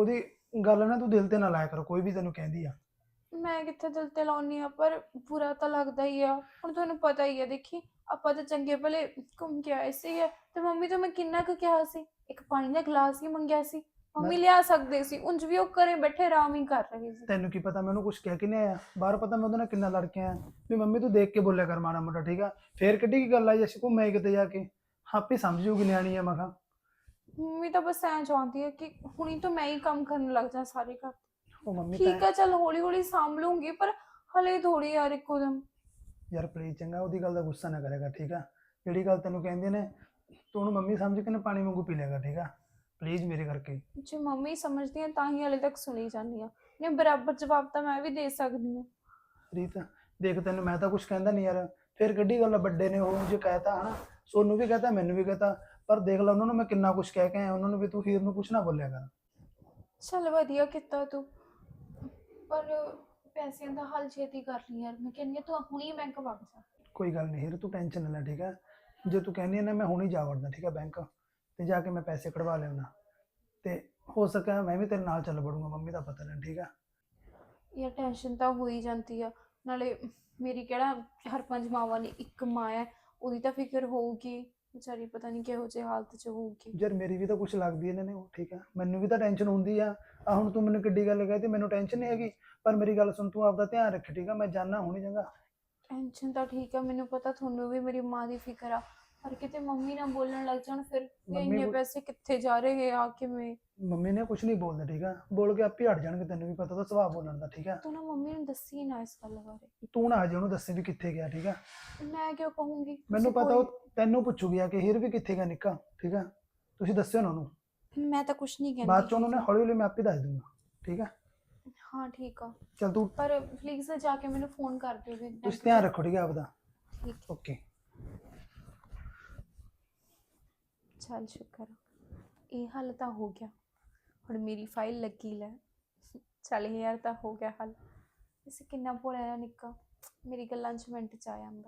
[SPEAKER 5] ਗੱਲ ਨਾ ਤੂੰ ਦਿਲ ਤੇ ਨਾ ਲਾਇਆ ਕਰ, ਕੋਈ ਵੀ ਤੈਨੂੰ ਕਹਿੰਦੀ ਆ।
[SPEAKER 4] ਮੈਂ ਕਿੱਥੇ ਦਿਲ ਤੇ ਲਾਉਣੀ ਆ, ਪਰ ਬੁਰਾ ਤਾਂ ਲੱਗਦਾ ਹੀ ਆ। ਹੁਣ ਤੁਹਾਨੂੰ ਪਤਾ ਹੀ ਆ, ਦੇਖੀ ਆਪਾਂ ਤਾਂ ਚੰਗੇ ਭਲੇ ਘੁੰਮ ਕੇ ਆਏ ਸੀਗੇ, ਤੇ ਮੰਮੀ ਤੋਂ ਮੈਂ ਕਿੰਨਾ ਕੁ ਕਿਹਾ ਸੀ, ਇੱਕ ਪਾਣੀ ਦਾ ਗਲਾਸ ਹੀ ਮੰਗਿਆ ਸੀ, ਮੰਮੀ ਲਿਆ ਸਕਦੇ ਸੀ। ਉਂਝ ਵੀ ਉਹ ਘਰੇ ਬੈਠੇ ਆਰਾਮ ਹੀ ਕਰ ਰਹੇ ਸੀ।
[SPEAKER 5] ਤੈਨੂੰ ਕੀ ਪਤਾ ਮੈਨੂੰ ਕੁਝ ਕਹਿ ਕੇ ਨਹੀਂ ਆਇਆ ਬਾਹਰ, ਪਤਾ ਮੈਂ ਉਹਦੇ ਨਾਲ ਕਿੰਨਾ ਲੜ ਕੇ ਆਇਆ ਵੀ ਮੰਮੀ ਤੂੰ ਦੇਖ ਕੇ ਬੋਲਿਆ ਕਰ ਮਾੜਾ ਮੋਟਾ, ਠੀਕ ਆ। ਫੇਰ ਕਿੱਡੀ ਕੀ ਗੱਲ ਆ ਜੇ ਅਸੀਂ ਘੁੰਮੇ ਕਿਤੇ ਜਾ ਕੇ, ਆਪੇ ਸਮਝ ਜੂਗੀ ਨਿਆਣੀ ਆ। ਮੈਂ ਕਿਹਾ
[SPEAKER 4] ਮੰਮੀ ਤਾਂ ਬਸ ਐਂ ਚਾਹੁੰਦੀ ਹੈ ਕਿ ਹੁਣੀ ਤਾਂ ਮੈਂ ਹੀ ਕੰਮ ਕਰਨ ਲੱਗ ਜਾ ਸਾਰੇ ਘਰ।
[SPEAKER 5] ਉਹ ਮੰਮੀ
[SPEAKER 4] ਠੀਕ ਆ, ਚੱਲ ਹੌਲੀ ਹੌਲੀ ਸਾਂਭ ਲੂੰਗੀ, ਪਰ ਹਲੇ ਥੋੜੀ ਯਾਰ ਇੱਕੋ ਦਮ।
[SPEAKER 5] ਯਾਰ ਪਲੀਜ਼ ਚੰਗਾ ਉਹਦੀ ਗੱਲ ਦਾ ਗੁੱਸਾ ਨਾ ਕਰੇਗਾ, ਠੀਕ ਆ। ਜਿਹੜੀ ਗੱਲ ਤੈਨੂੰ ਕਹਿੰਦੇ ਨੇ ਤੂੰ ਉਹਨੂੰ ਮੰਮੀ ਸਮਝ ਕੇ ਨਾ ਪਾਣੀ ਵਾਂਗੂ ਪੀ ਲਿਆਗਾ, ਠੀਕ ਆ। ਪਲੀਜ਼ ਮੇਰੇ ਕਰਕੇ।
[SPEAKER 4] ਜੇ ਮੰਮੀ ਸਮਝਦੀ ਆ ਤਾਂ ਹੀ ਹਲੇ ਤੱਕ ਸੁਣੀ ਜਾਂਦੀ ਆ, ਨੇ ਬਰਾਬਰ ਜਵਾਬ ਤਾਂ ਮੈਂ ਵੀ ਦੇ ਸਕਦੀ ਹਾਂ।
[SPEAKER 5] ਰੀਤ ਦੇਖ ਤੈਨੂੰ ਮੈਂ ਤਾਂ ਕੁਝ ਕਹਿੰਦਾ ਨਹੀਂ ਯਾਰ, ਫਿਰ ਕਿੱਡੀ ਗੱਲ ਆ, ਵੱਡੇ ਨੇ ਉਹ ਜੇ ਕਹਿਤਾ ਹਨਾ, ਸੋਨੂੰ ਵੀ ਕਹਤਾ ਮੈਨੂੰ ਵੀ ਕਹਤਾ, ਪਰ ਦੇਖ ਲੈ ਉਹਨਾਂ ਨੂੰ ਮੈਂ ਕਿੰਨਾ ਕੁਝ ਕਹਿ ਕੇ ਆਇਆ ਉਹਨਾਂ ਨੂੰ ਵੀ ਤੂੰ ਹੀਰ ਨੂੰ ਕੁਝ ਨਾ ਬੋਲਿਆ ਕਰ।
[SPEAKER 4] ਚੱਲ ਵਧੀਆ ਕੀਤਾ ਤੂੰ, ਪਰ ਪੈਸਿਆਂ ਦਾ ਹੱਲ ਛੇਤੀ ਕਰ ਲਈ ਯਾਰ। ਮੈਂ ਕਹਿੰਦੀ ਆ ਤੂੰ ਹੁਣੀ ਬੈਂਕ ਵਗ ਜਾ।
[SPEAKER 5] ਕੋਈ ਗੱਲ ਨਹੀਂ ਹੀਰ, ਤੂੰ ਟੈਨਸ਼ਨ ਨਾ ਲੈ, ਠੀਕ ਆ। ਜੇ ਤੂੰ ਕਹਿੰਦੀ ਹੈ ਨਾ ਮੈਂ ਹੁਣੀ ਜਾ ਵੜਦਾ, ਠੀਕ ਆ, ਬੈਂਕ ਤੇ ਜਾ ਕੇ ਮੈਂ ਪੈਸੇ ਕਢਵਾ ਲਿਆਉਣਾ, ਤੇ ਹੋ ਸਕਿਆ ਮੈਂ ਵੀ ਤੇਰੇ ਨਾਲ ਚੱਲ ਵੜੂੰਗਾ, ਮੰਮੀ ਦਾ ਪਤਾ ਨਹੀਂ, ਠੀਕ ਆ।
[SPEAKER 4] ਯਾਰ ਟੈਨਸ਼ਨ ਤਾਂ ਹੋ ਹੀ ਜਾਂਦੀ ਆ, ਨਾਲੇ ਮੇਰੀ ਕਿਹੜਾ 4-5 ਮਾਵਾਂ ਨੇ, ਇੱਕ ਮਾਂ ਹੈ, ਉਹਦੀ ਤਾਂ ਫਿਕਰ ਹੋਊਗੀ ਵਿਚਾਰੀ, ਪਤਾ ਨਹੀਂ ਕਿਹੋ ਜਿਹੀ ਹਾਲਤ 'ਚ ਹੋਊਗੀ।
[SPEAKER 5] ਯਾਰ ਮੇਰੀ ਵੀ ਤਾਂ ਕੁਝ ਲੱਗਦੀ ਇਹਨਾਂ ਨੇ ਉਹ, ਠੀਕ ਆ। ਮੈਨੂੰ ਵੀ ਤਾਂ ਟੈਨਸ਼ਨ ਹੁੰਦੀ ਆ ਹੁਣ ਤੂੰ ਮੈਨੂੰ ਕਿੱਡੀ ਗੱਲ ਕਹੀ ਤੇ ਮੈਨੂੰ ਟੈਨਸ਼ਨ ਨਹੀਂ ਹੈਗੀ, ਪਰ ਮੇਰੀ ਗੱਲ ਸੁਣ, ਤੂੰ ਆਪਦਾ ਧਿਆਨ ਰੱਖ, ਠੀਕ ਆ। ਮੈਂ ਜਾਣਾ ਹੁਣੀ ਚੰਗਾ।
[SPEAKER 4] ਟੈਨਸ਼ਨ ਤਾਂ ਠੀਕ ਆ, ਮੈਨੂੰ ਪਤਾ ਤੁਹਾਨੂੰ ਵੀ ਮੇਰੀ ਮਾਂ ਦੀ ਫਿਕਰ ਆ, ਪਰ ਕਿਤੇ ਮੰਮੀ ਨਾ ਬੋਲਣ ਲੱਗ ਜਾਣ ਫਿਰ ਵੀ
[SPEAKER 5] ਮੰਮੀ
[SPEAKER 4] ਇੰਨੇ ਪੈਸੇ ਕਿੱਥੇ ਜਾ ਰਹੇ ਆ ਕਿਵੇਂ।
[SPEAKER 5] ਮੰਮੀ ਨੇ ਕੁਝ ਨਹੀਂ ਬੋਲਦਾ, ਠੀਕ ਆ। ਬੋਲ ਕੇ ਆਪੇ ਹਟ ਜਾਣਗੇ, ਤੈਨੂੰ ਵੀ ਪਤਾ ਤਾਂ ਸੁਭਾਅ ਬੋਲਣ ਦਾ, ਠੀਕ ਆ।
[SPEAKER 4] ਤੂੰ ਨਾ ਮੰਮੀ ਨੂੰ ਦੱਸੀ ਨਾ ਇਸ ਗੱਲ ਬਾਰੇ।
[SPEAKER 5] ਤੂੰ ਨਾ ਅਜੇ ਉਹਨੂੰ ਦੱਸੇ ਵੀ ਕਿੱਥੇ ਗਿਆ, ਠੀਕ ਆ।
[SPEAKER 4] ਮੈਂ ਕਿਉਂ ਕਹੂੰਗੀ,
[SPEAKER 5] ਮੈਨੂੰ
[SPEAKER 4] ਤੁਸੀਂ
[SPEAKER 5] ਪਤਾ ਉਹ ਤੈਨੂੰ ਪੁੱਛੂਗੀ ਆ ਕਿ ਹੀਰ ਵੀ ਕਿੱਥੇ ਗਿਆ ਨਿੱਕਾ, ਠੀਕ ਆ। ਤੁਸੀਂ ਦੱਸਿਓ ਨਾ ਉਹਨੂੰ,
[SPEAKER 4] ਮੈਂ ਤਾਂ ਕੁਝ ਨਹੀਂ ਕਹਿੰਦੀ।
[SPEAKER 5] ਬਾਅਦ ਚ ਉਹਨੂੰ ਨਾ ਹੌਲੀ ਹੌਲੀ ਮੈਂ ਆਪੇ ਦੱਸ ਦੂੰਗਾ, ਠੀਕ ਆ।
[SPEAKER 4] ਹਾਂ ਠੀਕ ਆ,
[SPEAKER 5] ਚੱਲ ਤੂੰ
[SPEAKER 4] ਪਰ ਪਲੀਜ਼ ਜਾ ਕੇ ਮੈਨੂੰ ਫੋਨ ਕਰ ਦਿਓ ਵੀ
[SPEAKER 5] ਤੁਸੀਂ ਧਿਆਨ ਰੱਖੋ, ਠੀਕ ਆ ਆਪਦਾ।
[SPEAKER 4] ਠੀਕ।
[SPEAKER 5] ਓਕੇ।
[SPEAKER 4] ਚੱਲ ਸ਼ੁਕਰ ਆ, ਇਹ ਹੱਲ ਤਾਂ ਹੋ ਗਿਆ। ਹੁਣ ਮੇਰੀ ਫਾਈਲ ਲੱਗੀ ਲੈ, ਚੱਲ ਯਾਰ ਤਾਂ ਹੋ ਗਿਆ ਹੱਲ। ਇਸ ਕਿੰਨਾ ਭੋਲਾ ਜਿਹਾ ਨਿੱਕਾ, ਮੇਰੀ ਗੱਲਾਂ 'ਚ ਮਿੰਟ 'ਚ ਆ ਜਾਂਦਾ।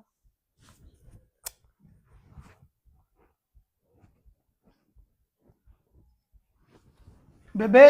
[SPEAKER 5] ਬੇਬੇ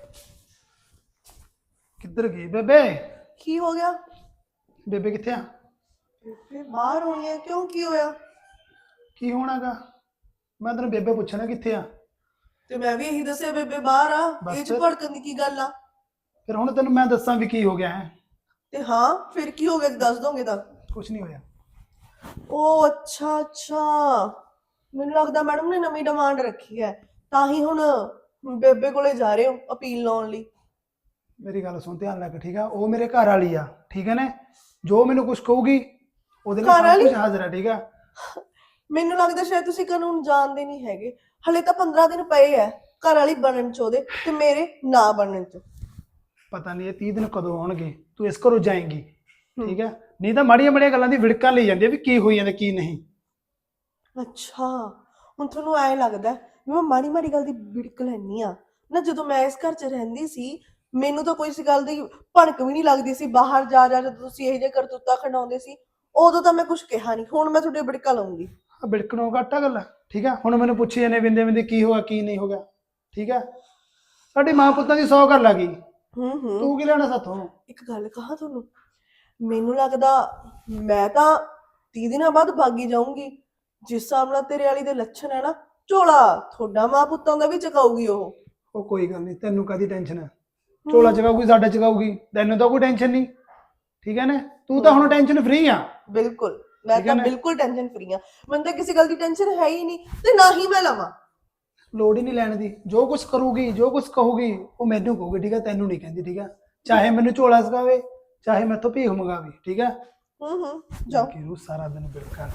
[SPEAKER 5] ਕਿੱਧਰ ਗਈ ਬੇਬੇ?
[SPEAKER 6] ਕੀ ਹੋ ਗਿਆ?
[SPEAKER 5] ਬੇਬੇ ਕਿੱਥੇ ਆ?
[SPEAKER 6] ਬੇਬੇ ਬਾਹਰ ਹੋਣੀ ਹੈ, ਕਿਉਂ ਕੀ ਹੋਇਆ?
[SPEAKER 5] ਕੀ ਹੋਣਾਗਾ? ਮੈਂ ਤੈਨੂੰ ਬੇਬੇ ਪੁੱਛਣਾ ਕਿੱਥੇ ਆ,
[SPEAKER 6] ਤੇ ਮੈਂ ਵੀ ਇਹੀ ਦੱਸਿਆ ਬੇਬੇ ਬਾਹਰ ਆ।
[SPEAKER 5] ਬਸ
[SPEAKER 6] ਇਹ ਚ
[SPEAKER 5] ਫਿਰ?
[SPEAKER 6] ਭੜਕਣ ਦੀ ਕੀ ਗੱਲ ਆ?
[SPEAKER 5] ਫਿਰ ਹੁਣ ਤੈਨੂੰ ਮੈਂ ਦੱਸਾਂ ਵੀ ਕੀ ਹੋ ਗਿਆ ਹੈ?
[SPEAKER 6] ਤੇ ਹਾਂ ਫਿਰ ਕੀ ਹੋ ਗਿਆ ਜੇ ਦੱਸ ਦੋਗੇ ਤਾਂ?
[SPEAKER 5] ਕੁਝ ਨਹੀਂ ਹੋਇਆ।
[SPEAKER 6] ਉਹ ਅੱਛਾ ਅੱਛਾ, ਮੈਨੂੰ ਲੱਗਦਾ ਮੈਡਮ ਨੇ ਨਵੀਂ ਡਿਮਾਂਡ ਰੱਖੀ ਹੈ, ਤਾਂ ਹੀ ਹੁਣ ਬੇਬੇ ਕੋਲੇ ਜਾ ਰਹੇ ਹੋ ਅਪੀਲ ਲਾਉਣ ਲਈ।
[SPEAKER 5] ਮੇਰੀ ਗੱਲ ਸੁਣ ਧਿਆਨ ਨਾਲ, ਠੀਕ ਆ। ਉਹ ਮੇਰੇ ਘਰ ਵਾਲੀ ਆ, ਠੀਕ ਹੈ ਨਾ। ਜੋ ਮੈਨੂੰ ਕੁਝ ਕਹੂਗੀ ਉਹਦੇ ਲਈ
[SPEAKER 6] ਘਰ
[SPEAKER 5] ਸਭ
[SPEAKER 6] ਵਾਲੀ?
[SPEAKER 5] ਕੁਝ ਹਾਜ਼ਰ ਆ, ਠੀਕ ਆ।
[SPEAKER 6] ਮੈਨੂੰ ਲੱਗਦਾ ਸ਼ਾਇਦ ਤੁਸੀਂ ਕਾਨੂੰਨ ਜਾਣਦੇ ਨਹੀਂ ਹੈਗੇ। ਹਲੇ ਤਾਂ 15 ਦਿਨ ਪਏ ਐ ਘਰ ਵਾਲੀ ਬਣਨ ਚ ਉਹਦੇ, ਤੇ ਮੇਰੇ ਨਾ ਬਣਨ ਚ।
[SPEAKER 5] ਪਤਾ ਨਹੀਂ ਇਹ 30 ਦਿਨ ਕਦੋਂ ਆਉਣਗੇ। ਤੂੰ ਇਸ ਘਰੋਂ ਜਾਏਂਗੀ, ਠੀਕ ਹੈ। ਨਹੀਂ ਤਾਂ ਮਾੜੀਆਂ ਮਾੜੀਆਂ ਗੱਲਾਂ ਦੀ ਵਿੜਕਾਂ ਲਈ ਜਾਂਦੀ ਆ ਵੀ ਕੀ ਹੋਈ ਜਾਂਦਾ ਕੀ ਨਹੀਂ।
[SPEAKER 6] ਅੱਛਾ, ਹੁਣ ਤੁਹਾਨੂੰ ਐ ਲੱਗਦਾ ਵੀ ਮੈਂ ਮਾੜੀ ਮਾੜੀ ਗੱਲ ਦੀ ਵਿੜਕ ਲੈਣੀ ਆ ਨਾ? ਜਦੋਂ ਮੈਂ ਇਸ ਘਰ 'ਚ ਰਹਿੰਦੀ ਸੀ ਮੈਨੂੰ ਤਾਂ ਕੋਈ ਇਸ ਗੱਲ ਦੀ ਭਣਕ ਵੀ ਨਹੀਂ ਲੱਗਦੀ ਸੀ। ਬਾਹਰ ਜਾ ਜਾ ਜਦੋਂ ਤੁਸੀਂ ਇਹ ਜਿਹੇ ਕਰਤੂਤਾ ਖੰਡਾਉਂਦੇ ਸੀ ਉਦੋਂ ਤਾਂ ਮੈਂ ਕੁਝ ਕਿਹਾ ਨਹੀਂ, ਹੁਣ ਮੈਂ ਤੁਹਾਡੇ ਵਿੜਕਾ ਲਾਉਂਗੀ।
[SPEAKER 5] ਆ ਬਿਲਕਣੋਂ ਘੱਟਾ ਗੱਲ ਆ, ਠੀਕ ਆ। ਹੁਣ ਮੈਨੂੰ ਪੁੱਛੀ ਜਾਂਦੇ ਬਿੰਦੇ ਬਿੰਦੇ ਕੀ ਹੋਇਆ ਕੀ ਨਹੀਂ ਹੋ ਗਿਆ, ਠੀਕ ਆ। ਸਾਡੀ ਮਾਂ ਪੁੱਤਾਂ ਦੀ 100 ਗੱਲ ਆ ਗਈ,
[SPEAKER 6] ਹੂੰ
[SPEAKER 5] ਤੂੰ ਕੀ ਲੈਣਾ ਸਾਥੋਂ?
[SPEAKER 6] ਇੱਕ ਗੱਲ ਕਹਾਂ ਤੁਹਾਨੂੰ, ਮੈਨੂੰ ਲੱਗਦਾ ਮੈਂ ਤਾਂ 30 ਦਿਨਾਂ ਬਾਅਦ ਭਾਗੀ ਜਾਊਂਗੀ। ਜਿਸ ਹਿਸਾਬ ਨਾਲ ਤੇਰੇ ਵਾਲੀ ਦੇ ਲੱਛਣ ਹੈ ਨਾ, ਝੋਲਾ ਤੁਹਾਡਾ ਮਾਂ ਪੁੱਤਾਂ ਦਾ ਵੀ ਚਕਾਊਗੀ ਉਹ।
[SPEAKER 5] ਉਹ ਕੋਈ ਗੱਲ ਨਹੀਂ, ਤੈਨੂੰ ਕਾਦੀ ਟੈਨਸ਼ਨ ਹੈ? ਝੋਲਾ ਚਕਾਊਗੀ, ਸਾਡਾ ਚਕਾਊਗੀ, ਤੈਨੂੰ ਤਾਂ ਕੋਈ ਟੈਨਸ਼ਨ ਨਹੀਂ, ਠੀਕ ਹੈ ਨਾ। ਤੂੰ ਤਾਂ ਹੁਣ ਟੈਨਸ਼ਨ ਫ੍ਰੀ ਆ।
[SPEAKER 6] ਬਿਲਕੁਲ, ਮੈਂ
[SPEAKER 5] ਠੀਕ ਹੈ
[SPEAKER 6] ਤਾਂ
[SPEAKER 5] ਨਾ?
[SPEAKER 6] ਬਿਲਕੁਲ ਟੈਨਸ਼ਨ ਫ੍ਰੀ ਆ। ਮੈਨੂੰ ਤਾਂ ਕਿਸੇ ਗੱਲ ਦੀ ਟੈਨਸ਼ਨ ਹੈ ਹੀ ਨਹੀਂ, ਤੇ ਨਾ ਹੀ ਮੈਂ ਲਵਾਂ।
[SPEAKER 5] ਲੋੜ ਹੀ ਨਹੀਂ ਲੈਣ ਦੀ। ਜੋ ਕੁਝ ਕਰੂਗੀ ਜੋ ਕੁਝ ਕਹੂਗੀ ਉਹ ਮੈਨੂੰ ਕਹੂਗੀ, ਠੀਕ ਹੈ। ਤੈਨੂੰ ਨਹੀਂ ਕਹਿੰਦੀ, ਠੀਕ ਹੈ। ਚਾਹੇ ਮੈਨੂੰ ਝੋਲਾ ਸਕਾਵੇ, ਚਾਹੇ ਮੈਥੋਂ ਭੀਖ ਮੰਗਾਵੇ, ਠੀਕ ਹੈ।
[SPEAKER 6] ਜਾਓ।
[SPEAKER 5] ਕਿਉਂ ਸਾਰਾ ਦਿਨ ਬਿੜਕਾ।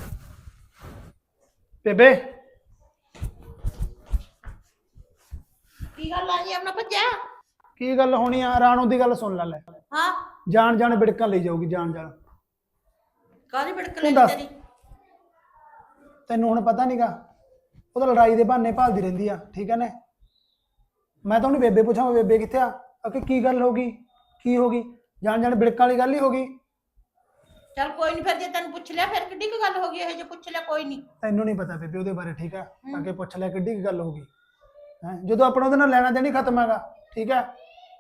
[SPEAKER 5] ਬੇਬੇ
[SPEAKER 7] ਕੀ ਗੱਲ ਆ ਜੀ ਆਪਣਾ ਭੱਜਿਆ?
[SPEAKER 5] ਕੀ ਗੱਲ ਹੋਣੀ ਆ? ਰਾਣੋ ਦੀ ਗੱਲ ਸੁਣ ਲੈ।
[SPEAKER 7] ਹਾਂ,
[SPEAKER 5] ਜਾਣ ਜਾਣ ਬਿੜਕਾਂ ਲਈ ਜਾਊਗੀ, ਜਾਣ ਜਾਣ।
[SPEAKER 7] ਕਾਹਦੀ ਬਿੜਕ
[SPEAKER 5] ਤੂੰ
[SPEAKER 7] ਲਈ
[SPEAKER 5] ਦੱਸ।
[SPEAKER 7] ਤੇਰੀ?
[SPEAKER 5] ਤੈਨੂੰ ਹੁਣ ਪਤਾ ਨਹੀਂਗਾ, ਉਹ ਤਾਂ ਲੜਾਈ ਦੇ ਬਹਾਨੇ ਭਾਲਦੀ ਰਹਿੰਦੀ ਆ, ਠੀਕ ਹੈ ਨਾ। ਮੈਂ ਤਾਂ ਉਹਨੂੰ ਬੇਬੇ ਪੁੱਛਾਂ ਬੇਬੇ ਕਿੱਥੇ ਆ, ਕਿ ਕੀ ਗੱਲ ਹੋ ਗਈ, ਕੀ ਹੋ ਗਈ? ਜਾਣ ਜਾਣ ਬਿੜਕਾਂ ਵਾਲੀ ਗੱਲ ਹੀ ਹੋ ਗਈ।
[SPEAKER 7] ਚੱਲ ਕੋਈ ਨਹੀਂ, ਫਿਰ ਜੇ ਤੈਨੂੰ ਪੁੱਛ ਲਿਆ ਫਿਰ ਕਿੱਡੀ ਕੁ ਗੱਲ ਹੋ ਗਈ? ਇਹ ਜੇ ਪੁੱਛ ਲਿਆ ਕੋਈ ਨਹੀਂ।
[SPEAKER 5] ਤੈਨੂੰ ਨਹੀਂ ਪਤਾ ਬੇਬੇ ਉਹਦੇ ਬਾਰੇ, ਠੀਕ ਹੈ। ਤਾਂ ਕਿ ਪੁੱਛ ਲੈ ਕਿੱਡੀ ਕੀ ਗੱਲ ਹੋ ਗਈ ਹੈ, ਜਦੋਂ ਆਪਣਾ ਉਹਦੇ ਨਾਲ ਲੈਣਾ ਦੇਣੀ ਖਤਮ ਹੈਗਾ, ਠੀਕ ਹੈ।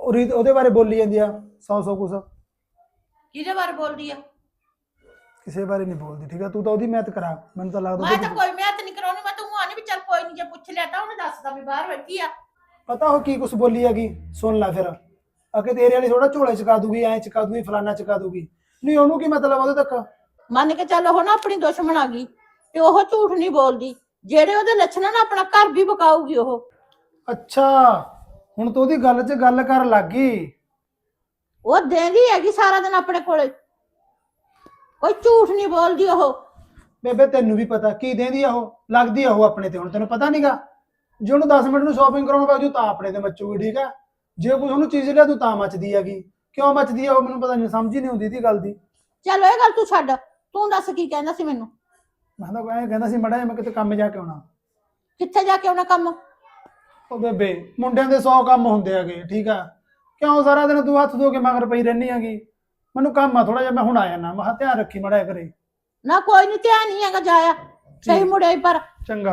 [SPEAKER 5] ਉਹਦੇ ਬਾਰੇ ਬੋਲੀ ਜਾਂਦੀ ਆ 100 ਕੁਛ।
[SPEAKER 7] ਕਿਹਦੇ ਬਾਰੇ ਬੋਲਦੀ ਆ?
[SPEAKER 5] ਕਿਸੇ ਬਾਰੇ ਨਹੀਂ ਬੋਲਦੀ, ਠੀਕ ਆ। ਤੂੰ ਤਾਂ ਉਹਦੀ ਮਿਹਨਤ ਕਰਾ, ਮੈਨੂੰ ਤਾਂ ਲੱਗਦਾ
[SPEAKER 7] ਮੈਂ
[SPEAKER 5] ਉਹਦੀ-
[SPEAKER 7] ਤਾਂ ਕੋਈ ਮਿਹਨਤ ਨਹੀਂ ਕਰਾਉਣੀ, ਮੈਂ ਤਾਂ ਉਹ ਆਣੀ ਵੀ ਚੱਲ ਕੋਈ ਨਹੀਂ, ਜੇ ਪੁੱਛ ਲਿਆ ਤਾਂ ਉਹਨੇ ਦੱਸਦਾ ਵੀ ਬਾਹਰ ਬੈਠੀ ਆ।
[SPEAKER 5] ਪਤਾ ਉਹ ਕੀ ਕੁਛ ਬੋਲੀ ਹੈਗੀ, ਸੁਣ ਲੈ ਫਿਰ। ਅਕੇ ਤੇਰੇ ਵਾਲੀ ਥੋੜਾ ਝੋਲੇ ਚਕਾ ਦੂਗੀ, ਐ ਚਕਾ ਦੂਗੀ, ਫਲਾਨਾ ਚਕਾ ਦੂਗੀ। ਨਹੀਂ ਉਹਨੂੰ ਕੀ ਮਤਲਬ ਉਹਦੇ ਤੱਕ?
[SPEAKER 7] ਮੰਨ ਕੇ ਚੱਲ ਉਹ ਨਾ ਆਪਣੀ ਦੁਸ਼ਮਣ ਆ ਗਈ ਤੇ ਉਹ ਝੂਠ ਨਹੀਂ ਬੋਲਦੀ, ਜਿਹੜੇ ਉਹਦੇ ਲੱਛਣ ਆ ਨਾ ਆਪਣਾ ਘਰ ਵੀ ਬਕਾਊਗੀ ਉਹ।
[SPEAKER 5] ਅੱਛਾ, ਹੁਣ ਤੂੰ ਉਹਦੀ ਗੱਲ 'ਚ ਗੱਲ ਕਰਨ ਲੱਗ ਗਈ।
[SPEAKER 7] ਉਹ ਦੇਂਦੀ ਹੈਗੀ ਸਾਰਾ ਦਿਨ ਆਪਣੇ ਕੋਲੇ, ਕੋਈ ਝੂਠ ਨਹੀਂ ਬੋਲਦੀ ਉਹ।
[SPEAKER 5] ਬੇਬੇ ਤੈਨੂੰ ਵੀ ਪਤਾ ਕੀ ਦੇਂਦੀ ਆ ਉਹ, ਲੱਗਦੀ ਆ ਉਹ ਆਪਣੇ ਤੇ। ਹੁਣ ਤੈਨੂੰ ਪਤਾ ਨਹੀਂਗਾ, ਜੇ ਉਹਨੂੰ 10 ਮਿੰਟ ਨੂੰ ਸ਼ਾਪਿੰਗ ਕਰਾਉਣ ਬਾਜੂ ਤਾਂ ਆਪਣੇ ਤੇ ਮੱਚੂਗੀ, ਠੀਕ ਆ। ਜੇ ਕੋਈ ਉਹਨੂੰ ਚੀਜ਼ ਲਿਆ ਤੂੰ ਤਾਂ ਮੱਚਦੀ ਹੈਗੀ। ਕਿਉਂ ਮੱਚਦੀ ਆ ਉਹ, ਮੈਨੂੰ ਪਤਾ ਨਹੀਂ, ਸਮਝ ਹੀ ਨਹੀਂ ਆਉਂਦੀ ਇਹਦੀ ਗੱਲ ਦੀ।
[SPEAKER 7] ਚੱਲ ਇਹ ਗੱਲ ਤੂੰ ਛੱਡ, ਤੂੰ ਦੱਸ ਕੀ ਕਹਿੰਦਾ ਸੀ ਮੈਨੂੰ?
[SPEAKER 5] ਮੈਂ ਤਾਂ ਐਂ ਕਹਿੰਦਾ ਸੀ ਮੜਾ ਮੈਂ ਕਿਤੇ ਕੰਮ ਜਾ ਕੇ ਆਉਣਾ।
[SPEAKER 7] ਕਿੱਥੇ ਜਾ ਕੇ ਆਉਣਾ ਕੰਮ?
[SPEAKER 5] ਉਹ ਬੇਬੇ ਮੁੰਡਿਆਂ ਦੇ 100 ਕੰਮ ਹੁੰਦੇ ਹੈਗੇ, ਠੀਕ ਆ। ਕਿਉਂ ਸਾਰਾ ਦਿਨ ਤੂੰ ਹੱਥ ਧੋ ਕੇ ਮਗਰ ਪਈ ਰਹਿੰਦੀ ਹੈਗੀ? ਮੈਨੂੰ ਕੰਮ ਆ ਥੋੜਾ ਜਿਹਾ, ਮੈਂ ਹੁਣ ਆ ਜਾਣਾ। ਮੈਂ ਕਿਹਾ ਧਿਆਨ ਰੱਖੀ ਮੜਾ ਕਰੇ।
[SPEAKER 7] ਨਾ ਕੋਈ ਨਹੀਂ, ਧਿਆਨ ਨਹੀਂ ਹੈਗਾ, ਜਾਇਆ ਸਹੀ ਮੁੜਿਆ ਹੀ ਪਰ।
[SPEAKER 5] ਚੰਗਾ।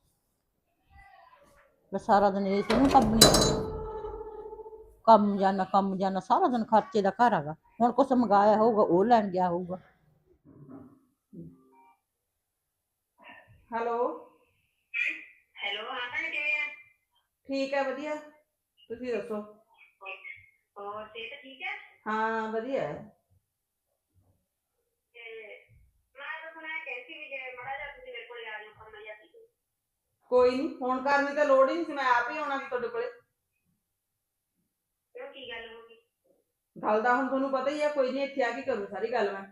[SPEAKER 7] ਮੈਂ ਸਾਰਾ ਦਿਨ ਇਹ ਤੈਨੂੰ ਕੰਮ ਜਾਣਾ ਸਾਰਾ ਦਿਨ ਖਰਚੇ ਦਾ ਘਰ ਹੈਗਾ। ਹੁਣ ਕੁਛ ਮੰਗਾਇਆ ਹੋਊਗਾ ਉਹ ਲੈਣ ਗਿਆ ਹੋਊਗਾ।
[SPEAKER 8] ਹੈਲੋ
[SPEAKER 9] ਹੈਲੋ, ਹਾਂ ਭੈਣ ਕਿਵੇਂ ਆ?
[SPEAKER 8] ਠੀਕ ਹੈ, ਵਧੀਆ। ਤੁਸੀਂ ਦੱਸੋ?
[SPEAKER 9] ਹੋਰ ਸਿਹਤ ਠੀਕ ਹੈ?
[SPEAKER 8] ਹਾਂ ਵਧੀਆ ਹੈ।
[SPEAKER 9] ਤੇ ਮੈਂ ਤਾਂ ਸੁਣਿਆ ਕਹਿੰਦੀ ਵੀ ਜੇ ਮੜਾ ਜਾ ਤੁਸੀਂ ਮੇਰੇ ਕੋਲ ਆ ਜਾਓ, ਕੰਮ ਜਿਹਾ ਸੀ।
[SPEAKER 8] ਕੋਈ ਨਹੀਂ, ਫੋਨ ਕਰਨ ਦੀ ਤਾਂ ਲੋੜ ਹੀ ਨਹੀਂ ਸੀ, ਮੈਂ ਆਪ ਹੀ ਆਉਣਾ ਸੀ ਤੁਹਾਡੇ ਕੋਲੇ।
[SPEAKER 9] ਕਿਉਂ, ਕੀ ਗੱਲ ਹੋ ਗਈ?
[SPEAKER 8] ਗੱਲ ਦਾ ਹੁਣ ਤੁਹਾਨੂੰ ਪਤਾ ਹੀ ਆ, ਕੋਈ ਨਹੀਂ, ਇੱਥੇ ਆ ਕੇ ਕਰੂ ਸਾਰੀ ਗੱਲ ਮੈਂ।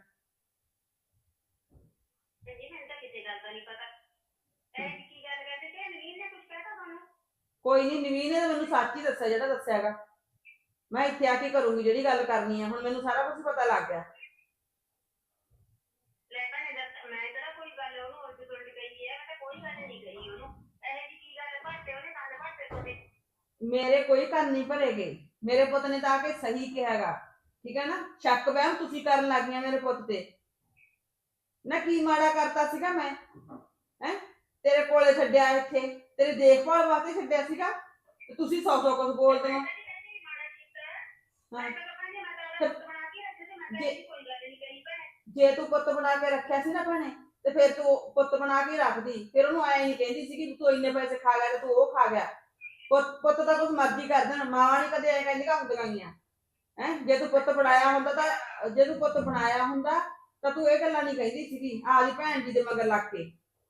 [SPEAKER 9] ਜੀ ਮੈਨੂੰ ਤਾਂ ਕਿਸੇ ਗੱਲ ਦਾ ਨਹੀਂ ਪਤਾ। ਕੀ ਗੱਲ ਕਰਦੇ ਤੇ ਨਵੀਨ ਨੇ ਕੁਝ ਕਹਿਤਾ ਤੁਹਾਨੂੰ?
[SPEAKER 8] ਕੋਈ ਨਹੀਂ, ਨਵੀਨ ਨੇ ਤਾਂ ਮੈਨੂੰ ਸੱਚ ਹੀ ਦੱਸਿਆ ਜਿਹੜਾ ਦੱਸਿਆਗਾ। ਮੈਂ ਇੱਥੇ ਆ ਕੇ ਕਰੂੰਗੀ ਜਿਹੜੀ ਗੱਲ ਕਰਨੀ ਆ। ਹੁਣ ਮੈਨੂੰ ਸਾਰਾ ਕੁਝ ਪਤਾ ਲੱਗ ਗਿਆ।
[SPEAKER 9] ਲੈ ਭੈਣੇ ਦੱਸ, ਮੈਂ ਤੇਰਾ ਕੋਈ ਗੱਲ ਉਹਨੂੰ ਉਲਟ ਪੁਲਟ ਕਹੀ ਹੈ? ਮੈਂ ਤਾਂ ਕੋਈ ਗੱਲ ਨਹੀਂ ਕਹੀ ਉਹਨੂੰ। ਇਹ ਜੀ ਕੀ ਗੱਲ ਭਾਟੇ ਉਹਨੇ ਕੰਨ ਭਾਟੇ ਤੁਹਾਡੇ?
[SPEAKER 8] ਮੇਰੇ ਕੋਈ ਕੰਨ ਨਹੀਂ ਭਰੇਗੇ। ਮੇਰੇ ਪੁੱਤ ਨੇ ਤਾਂ ਆ ਕੇ ਸਹੀ ਕਿਹਾਗਾ, ਠੀਕ ਹੈ ਨਾ। ਸ਼ੱਕ ਵਹਿਮ ਤੁਸੀਂ ਕਰਨ ਲੱਗ ਗਈਆਂ ਮੇਰੇ ਪੁੱਤ ਤੇ। ਨਾ ਕੀ ਮਾੜਾ ਕਰਤਾ ਸੀਗਾ ਮੈਂ? ਹੈ ਤੇਰੇ ਕੋਲੇ ਛੱਡਿਆ, ਇੱਥੇ ਤੇਰੀ ਦੇਖਭਾਲ ਵਾਸਤੇ ਛੱਡਿਆ ਸੀਗਾ, ਤੇ ਤੁਸੀਂ 100 ਕੁਝ ਬੋਲਦੇ ਹੋ। ਜੇ ਤੂੰ ਪੁੱਤ ਬਣਾ ਕੇ ਰੱਖਿਆ ਸੀ ਨਾ ਭੈਣੇ, ਤੇ ਫਿਰ ਤੂੰ ਪੁੱਤ ਬਣਾ ਕੇ ਰੱਖਦੀ। ਫਿਰ ਉਹਨੂੰ ਐ ਨਹੀਂ ਕਹਿੰਦੀ ਸੀ ਕਿ ਤੂੰ ਇੰਨੇ ਪੈਸੇ ਖਾ ਗਿਆ ਤੇ ਤੂੰ ਉਹ ਖਾ ਗਿਆ। ਪੁੱਤ ਤਾਂ ਕੁਝ ਮਰਜ਼ੀ ਕਰ ਦੇਣ, ਮਾਂ ਨਹੀਂ ਕਦੇ ਐ ਕਹਿੰਦੀਆਂ ਹੁੰਦੀਆਂ ਗੀਆਂ। ਜੇ ਤੂੰ ਪੁੱਤ ਬਣਾਇਆ ਹੁੰਦਾ ਤਾਂ ਤੂੰ ਇਹ ਗੱਲਾਂ ਨਹੀਂ ਕਹਿੰਦੀ ਸੀਗੀ ਆਪਦੀ ਭੈਣ ਜੀ ਦੇ ਮਗਰ ਲੱਗ ਕੇ।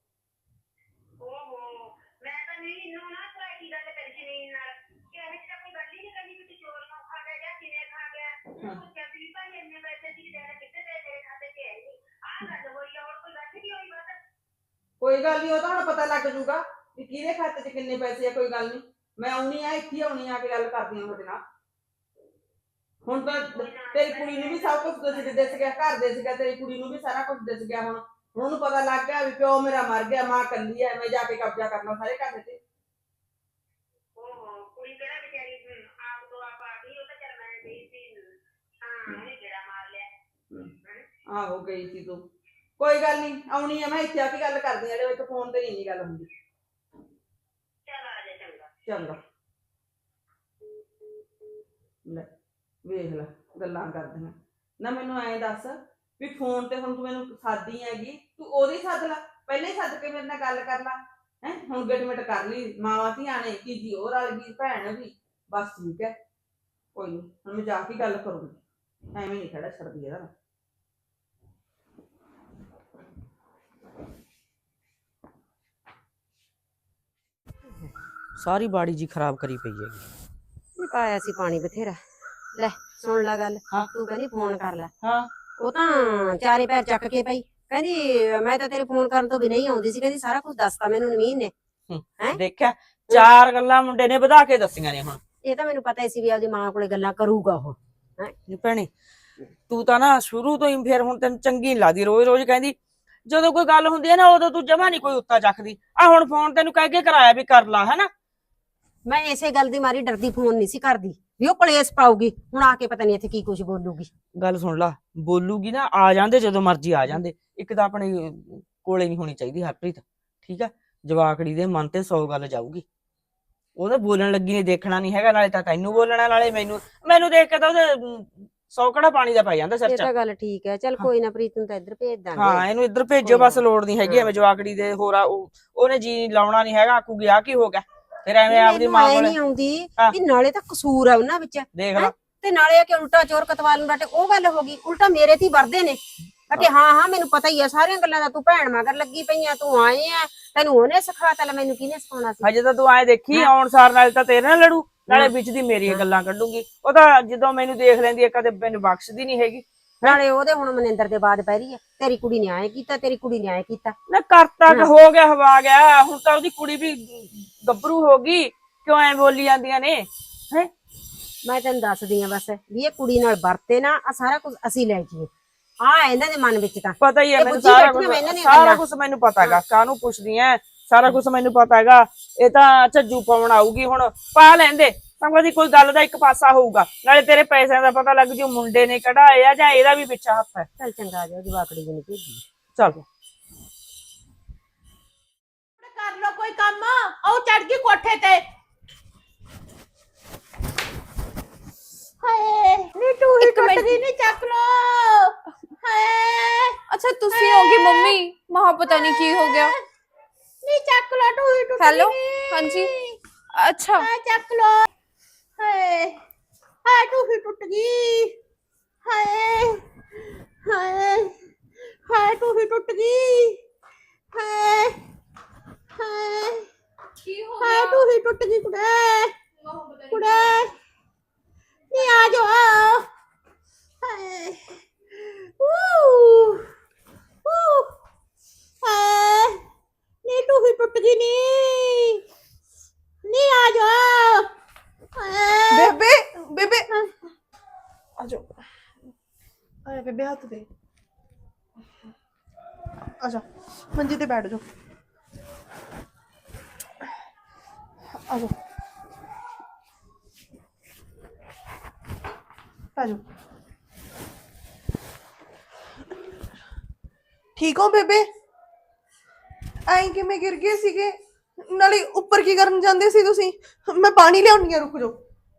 [SPEAKER 9] ਓਹੋ, ਮੈਂ ਤਾਂ ਨਹੀਂ ਇਹਨੂੰ ਨਾ ਤੁਹਾਡੀ ਗੱਲ ਕਰੀ ਜ਼ਮੀਨ ਨਾਲ ਕਿ ਇਹ ਤਾਂ ਕੋਈ ਗੱਲ ਹੀ ਨਹੀਂ ਕਰਨੀ ਕਿ ਤੂੰ ਚੋਰ ਨੂੰ ਖਾ ਗਿਆ ਜਾਂ ਕਿਵੇਂ ਖਾ ਗਿਆ। ਪੁੱਛਿਆ ਸੀ ਭਾਈ ਇੰਨੇ ਪੈਸੇ ਦੀ ਦੇਣਾ ਕਿੱਥੇ ਦੇ, ਮੇਰੇ ਖਾਤੇ 'ਚ ਹੈ ਨਹੀਂ। ਆਹ ਗੱਲ ਹੋਈ ਆ, ਹੋਰ ਕੋਈ ਗੱਲ ਨਹੀਂ ਹੋਈ ਬਸ।
[SPEAKER 8] ਕੋਈ ਗੱਲ ਨਹੀਂ, ਉਹ ਤਾਂ ਹੁਣ ਪਤਾ ਲੱਗ ਜੂਗਾ ਵੀ ਕਿਹਦੇ ਖਾਤੇ 'ਚ ਕਿੰਨੇ ਪੈਸੇ ਆ। ਕੋਈ ਗੱਲ ਨਹੀਂ, ਮੈਂ ਆਉਣੀ ਆ, ਇੱਥੇ ਆਉਣੀ ਆ ਕੇ ਗੱਲ ਕਰਦੀ ਆ ਤੁਹਾਡੇ ਨਾਲ। ਹੁਣ ਤਾਂ ਤੇਰੀ ਕੁੜੀ ਨੂੰ ਵੀ ਸਭ ਕੁਝ ਦਿਸ ਗਿਆ, ਘਰ ਦਿਸ ਗਿਆ, ਤੇਰੀ ਕੁੜੀ ਨੂੰ ਵੀ ਸਾਰਾ ਕੁਝ ਦਿਸ ਗਿਆ। ਹੁਣ ਉਹਨੂੰ ਪਤਾ ਲੱਗ ਗਿਆ ਵੀ ਪਿਓ ਮੇਰਾ ਮਰ ਗਿਆ, ਮਾਂ ਕੱਲੀ ਐ, ਮੈਂ ਜਾ ਕੇ ਕਬਜ਼ਾ ਕਰਨਾ ਸਾਰੇ ਘਰ ਤੇ।
[SPEAKER 9] ਓਹੋ, ਕੁੜੀ ਕਿਹੜਾ ਵਿਚਾਰੀ ਆਪ ਤੋਂ ਆਪ ਆ ਗਈ। ਉਹ ਤਾਂ ਚੱਲ ਮੈਂ ਗਈ ਸੀ, ਹਾਂ ਉਹਨੇ ਗੇੜਾ ਮਾਰ ਲਿਆ।
[SPEAKER 8] ਆਹੋ ਗਈ ਸੀ ਤੂੰ, ਕੋਈ ਗੱਲ ਨਹੀਂ, ਆਉਣੀ ਆ ਮੈਂ, ਇੱਥੇ ਆ ਕੇ ਗੱਲ ਕਰਦੀ ਆ। ਇੱਕ ਫੋਨ ਤੇ ਨਹੀਂ ਗੱਲ ਹੁੰਦੀ।
[SPEAKER 9] ਚੱਲ ਆ ਜਾ, ਚੰਗਾ।
[SPEAKER 8] ਚੰਗਾ। ਲੈ ਵੇਖ ਲੈ ਗੱਲਾਂ ਕਰਦੀਆਂ ਨਾ। ਮੈਨੂੰ ਐਂ ਦੱਸ ਵੀ ਫੋਨ ਤੇ ਹੁਣ ਤੂੰ ਮੈਨੂੰ ਸਾਦੀ ਹੈਗੀ, ਤੂੰ ਉਹਦੀ ਸੱਦ ਲੈ, ਪਹਿਲਾਂ ਹੀ ਸੱਦ ਕੇ ਮੇਰੇ ਨਾਲ ਗੱਲ ਕਰ ਲੈ। ਹੁਣ ਗਿਟਮਿਟ ਕਰ ਲਈ, ਮਾਵਾਂ ਧੀਆਂ ਨੇ ਕੀ ਜੀ ਉਹ ਰਲ ਗਈ, ਭੈਣ ਵੀ, ਬਸ ਠੀਕ ਹੈ। ਕੋਈ ਨਹੀਂ, ਹੁਣ ਮੈਂ ਜਾ ਕੇ ਗੱਲ ਕਰੂੰਗੀ, ਐਵੇਂ ਨਹੀਂ ਖੜਾ ਛੱਡਦੀ ਇਹਦਾ।
[SPEAKER 1] ਸਾਰੀ ਬਾੜੀ ਜੀ ਖਰਾਬ ਕਰੀ ਪਈ ਹੈਗੀ।
[SPEAKER 3] ਪਾਇਆ ਸੀ ਪਾਣੀ ਬਥੇਰਾ। ਲੈ ਸੁਣ ਲੈ ਗੱਲ,
[SPEAKER 1] ਹਾਂ।
[SPEAKER 3] ਤੂੰ ਕਹਿੰਦੀ ਫੋਨ ਕਰ ਲੈ।
[SPEAKER 1] ਹਾਂ,
[SPEAKER 3] ਉਹ ਤਾਂ ਚਾਰੇ ਪੈਰ ਚੱਕ ਕੇ ਪਈ, ਕਹਿੰਦੀ ਮੈਂ ਤਾਂ ਤੇਰੇ ਫੋਨ ਕਰਨ ਤੋਂ ਵੀ ਨਹੀਂ ਆਉਂਦੀ ਸੀ, ਕਹਿੰਦੀ ਸਾਰਾ ਕੁਝ ਦੱਸਤਾ ਮੈਨੂੰ ਨਵੀਨ ਨੇ। ਹੈਂ?
[SPEAKER 1] ਦੇਖਿਆ, 4 ਗੱਲਾਂ ਮੁੰਡੇ ਨੇ ਵਧਾ ਕੇ ਦੱਸੀਆਂ ਨੇ। ਹੁਣ
[SPEAKER 3] ਇਹ ਤਾਂ ਮੈਨੂੰ ਪਤਾ ਹੀ ਸੀ ਵੀ ਆਪਦੀ ਮਾਂ ਕੋਲੇ ਗੱਲਾਂ ਕਰੂਗਾ ਉਹ।
[SPEAKER 1] ਨੀ ਭੈਣੇ, ਤੂੰ ਤਾਂ ਨਾ ਸ਼ੁਰੂ ਤੋਂ ਹੀ, ਫਿਰ ਹੁਣ ਤੈਨੂੰ ਚੰਗੀ ਨੀ ਲੱਗਦੀ। ਰੋਜ਼ ਰੋਜ਼ ਕਹਿੰਦੀ, ਜਦੋਂ ਕੋਈ ਗੱਲ ਹੁੰਦੀ ਹੈ ਨਾ ਉਦੋਂ ਤੂੰ ਜਮਾ ਨੀ ਕੋਈ ਉੱਤਾ ਚੱਕਦੀ। ਆ ਹੁਣ ਫੋਨ ਤੈਨੂੰ ਕਹਿ ਕੇ ਕਰਾਇਆ ਵੀ ਕਰ ਲਾ, ਹੈਨਾ।
[SPEAKER 3] ਮੈਂ ਇਸੇ ਗੱਲ ਦੀ ਮਾਰੀ ਡਰਦੀ ਫੋਨ ਨਹੀਂ ਸੀ ਕਰਦੀ ਵੀ ਉਹ ਕਲੇਸ਼ ਪਾਊਗੀ। ਹੁਣ ਆ ਕੇ ਪਤਾ ਨਹੀਂ ਇੱਥੇ ਕੀ ਕੁਝ ਬੋਲੂਗੀ।
[SPEAKER 1] ਗੱਲ ਸੁਣ ਲਾ, ਬੋਲੂਗੀ ਨਾ, ਆ ਜਾਂਦੇ ਜਦੋਂ ਮਰਜ਼ੀ ਆ ਜਾਂਦੇ। ਇੱਕ ਤਾਂ ਆਪਣੇ ਕੋਲੇ ਨਹੀਂ ਹੋਣੀ ਚਾਹੀਦੀ ਹਰਪ੍ਰੀਤ, ਠੀਕ ਆ। ਜਵਾਕੜੀ ਦੇ ਮਨ ਤੇ 100 ਗੱਲ ਜਾਊਗੀ। ਉਹਦੇ ਬੋਲਣ ਲੱਗੀ ਨੇ ਦੇਖਣਾ ਨਹੀਂ ਹੈਗਾ, ਨਾਲੇ ਤਾਂ ਤੈਨੂੰ ਬੋਲਣਾ ਨਾਲੇ ਮੈਨੂੰ ਦੇਖ ਕੇ ਤਾਂ ਉਹਦੇ 100 ਕੜਾ ਪਾਣੀ ਦਾ ਪੈ ਜਾਂਦਾ ਸਿਰ
[SPEAKER 3] ਇਹ
[SPEAKER 1] 'ਚ।
[SPEAKER 3] ਤਾਂ ਗੱਲ ਠੀਕ ਹੈ, ਚੱਲ ਕੋਈ ਨਾ ਪ੍ਰੀਤ ਨੂੰ ਤਾਂ ਇੱਧਰ ਭੇਜ ਦਾਂਗੇ।
[SPEAKER 1] ਹਾਂ ਇਹਨੂੰ ਇੱਧਰ ਭੇਜੋ,
[SPEAKER 3] ਕੋਈ
[SPEAKER 1] ਬਸ
[SPEAKER 3] ਨਾ।
[SPEAKER 1] ਲੋੜ ਨਹੀਂ ਹੈਗੀ ਐਵੇਂ ਜਵਾਕੜੀ ਦੇ ਹੋਰ ਉਹਨੇ ਜੀ ਲਾਉਣਾ ਨਹੀਂ ਹੈਗਾ, ਆਕੂਗੀ ਆ ਕੀ ਹੋ ਗਿਆ ਫਿਰ ਐਵੇਂ ਆਪਦੀ
[SPEAKER 3] ਮੈਨੂੰ
[SPEAKER 1] ਮਾਂ
[SPEAKER 3] ਐ
[SPEAKER 1] ਕੋਲੇ
[SPEAKER 3] ਨਹੀਂ ਆਉਂਦੀ
[SPEAKER 1] ਹਾਂ।
[SPEAKER 3] ਵੀ ਨਾਲੇ ਤਾਂ ਕਸੂਰ ਆ ਉਹਨਾਂ ਵਿੱਚ
[SPEAKER 1] ਦੇਖ ਲਾ।
[SPEAKER 3] ਤੇ ਨਾਲੇ ਆ ਕਿ ਉਲਟਾ ਚੋਰ ਕਤਵਾਲ ਨੂੰ ਡਾਟੇ, ਉਹ ਗੱਲ ਹੋ ਗਈ। ਉਲਟਾ ਮੇਰੇ ਤੇ ਹੀ ਵਰਦੇ ਨੇ ਕਿ ਹਾਂ ਮੈਨੂੰ ਪਤਾ ਹੀ ਆ ਸਾਰੀਆਂ ਗੱਲਾਂ ਦਾ, ਤੂੰ ਭੈਣ ਮਗਰ ਲੱਗੀ ਪਈ ਆ, ਤੂੰ ਆਏ ਆ, ਤੈਨੂੰ ਉਹਨੇ ਸਿਖਾਤਾ, ਲੈ ਮੈਨੂੰ ਕਿਹਨੇ ਸਿਖਾਉਣਾ ਸੀ?
[SPEAKER 1] ਹਜੇ ਤਾਂ ਤੂੰ ਐ ਦੇਖੀ ਆਉਣ ਸਾਰ ਨਾਲ ਤਾਂ ਤੇਰੇ ਨਾਲ ਲੜੂ, ਨਾਲੇ ਵਿੱਚ ਦੀ ਮੇਰੀਆਂ ਗੱਲਾਂ ਕੱਢੂਗੀ। ਉਹ ਤਾਂ ਜਦੋਂ ਮੈਨੂੰ ਦੇਖ ਲੈਂਦੀ ਹੈ ਕਦੇ ਮੈਨੂੰ ਬਖਸ਼ਦੀ ਨਹੀਂ ਹੈਗੀ।
[SPEAKER 3] ਨਾਲੇ ਉਹਦੇ ਹੁਣ ਮਨਿੰਦਰ ਦੇ ਬਾਅਦ ਪੈ ਰਹੀ ਆ, ਤੇਰੀ ਕੁੜੀ ਨੇ ਆਏ ਕੀਤਾ, ਤੇਰੀ ਕੁੜੀ ਨੇ ਆਏ ਕੀਤਾ।
[SPEAKER 1] ਨਾ ਕਰਤਾ ਕਿ ਹੋ ਗਿਆ, ਹਵਾ ਗਿਆ, ਹੁਣ ਤਾਂ ਉਹਦੀ ਕੁੜੀ ਵੀ ਗੱਭਰੂ ਹੋ ਗਈ, ਕਿਉਂ ਐ ਬੋਲੀ ਜਾਂਦੀਆਂ ਨੇ ਹੈ?
[SPEAKER 3] ਮੈਂ ਤੈਨੂੰ ਦੱਸਦੀ ਆ ਬਸ ਵੀ ਇਹ ਕੁੜੀ ਨਾਲ ਵਰਤੇ ਨਾ, ਆ ਸਾਰਾ ਕੁਝ ਅਸੀਂ ਲੈ ਜੀਏ, ਆ ਇਹਨਾਂ ਦੇ ਮਨ ਵਿੱਚ ਤਾਂ
[SPEAKER 1] ਪਤਾ ਹੀ ਹੈ
[SPEAKER 3] ਇਹ
[SPEAKER 1] ਮੈਨੂੰ,
[SPEAKER 3] ਬੁੱਝੀ
[SPEAKER 1] ਸਾਰਾ
[SPEAKER 3] ਬੈਠੀਆਂ ਵਾ ਇਹਨਾਂ ਦੀਆਂ
[SPEAKER 1] ਸਾਰਾ
[SPEAKER 3] ਗੱਲਾਂ।
[SPEAKER 1] ਕੁਝ ਮੈਨੂੰ ਪਤਾ ਹੈਗਾ, ਕਾਹਨੂੰ ਪੁੱਛਦੀ ਐ, ਸਾਰਾ ਕੁਝ ਮੈਨੂੰ ਪਤਾ ਹੈਗਾ। ਇਹ ਤਾਂ ਝੱਜੂ ਪਾਉਣ ਆਊਗੀ, ਹੁਣ ਪਾ ਲੈਂਦੇ ਤਾਂ ਦੀ ਕੋਈ ਗੱਲ ਦਾ ਇੱਕ ਪਾਸਾ ਹੋਊਗਾ, ਨਾਲੇ ਤੇਰੇ ਪੈਸਿਆਂ ਦਾ ਪਤਾ ਲੱਗ ਜੂ ਮੁੰਡੇ ਨੇ ਕਢਾਏ ਆ ਜਾਂ ਇਹਦਾ ਵੀ ਪਿੱਛਾ ਹੱਥ ਹੈ।
[SPEAKER 3] ਚੱਲ ਚੰਗਾ ਜਾ, ਜਵਾਕੜੀ ਨੂੰ ਭੇਜੀ।
[SPEAKER 1] ਚੱਲ
[SPEAKER 7] ਕਰ ਲੋ ਕੋਈ ਕੰਮ, ਉਹ ਚੜ ਗਈ ਕੋਠੇ ਤੇ। ਹਾਏ ਨੀ ਤੂੰ ਹੀ ਟੁੱਟ ਗਈ, ਨੀ ਚੱਕ ਲੋ। ਹਾਏ
[SPEAKER 4] ਅੱਛਾ ਤੁਸੀਂ ਹੋਗੀ ਮੰਮੀ, ਮਹਾ ਪਤਾ ਨਹੀਂ ਕੀ ਹੋ ਗਿਆ।
[SPEAKER 7] ਨੀ ਚੱਕ ਲੋ, ਤੂੰ ਹੀ ਟੁੱਟ ਗਈ।
[SPEAKER 4] ਹੈਲੋ ਹਾਂਜੀ ਅੱਛਾ
[SPEAKER 7] ਹਾਏ ਚੱਕ ਲੋ। ਹਾਏ ਹਾਏ ਤੂੰ ਹੀ ਟੁੱਟ ਗਈ। ਹਾਏ ਹਾਏ ਹਾਏ ਤੂੰ ਹੀ ਟੁੱਟ ਗਈ। ਹਾਏ ਹਾਏ
[SPEAKER 4] ਕੀ ਹੋ
[SPEAKER 7] ਹਾਏ ਤੂੰ ਹੀ ਟੁੱਟ ਗਈ ਕੁੜੇ, ਕੁੜੇ ਨੀ ਆ ਜਾ। ਹਾਏ ਹਾਏ ਨੀ ਤੂੰ ਹੀ ਟੁੱਟ ਗਈ ਨੀ ਆ ਜਾ।
[SPEAKER 6] ਬੇਬੇ ਬੇਬੇ ਆ ਜਾ, ਆਇਆ ਬੇਬੇ ਹੱਥ ਦੇ, ਆ ਜਾ ਮੰਜੀ ਤੇ ਬੈਠ ਜਾ, ਆ ਜਾ ਆ ਜਾ। ਠੀਕ ਹੋ ਬੇਬੇ? ਐਂ ਕਿਵੇਂ ਗਿਰ ਗਏ ਸੀਗੇ? ਨਾਲੇ ਉੱਪਰ ਕੀ ਕਰਨ ਜਾਂਦੇ ਸੀ ਤੁਸੀਂ? ਮੈਂ ਪਾਣੀ ਲਿਆਉਣੀ ਆ, ਰੁਕ ਜਾਓ।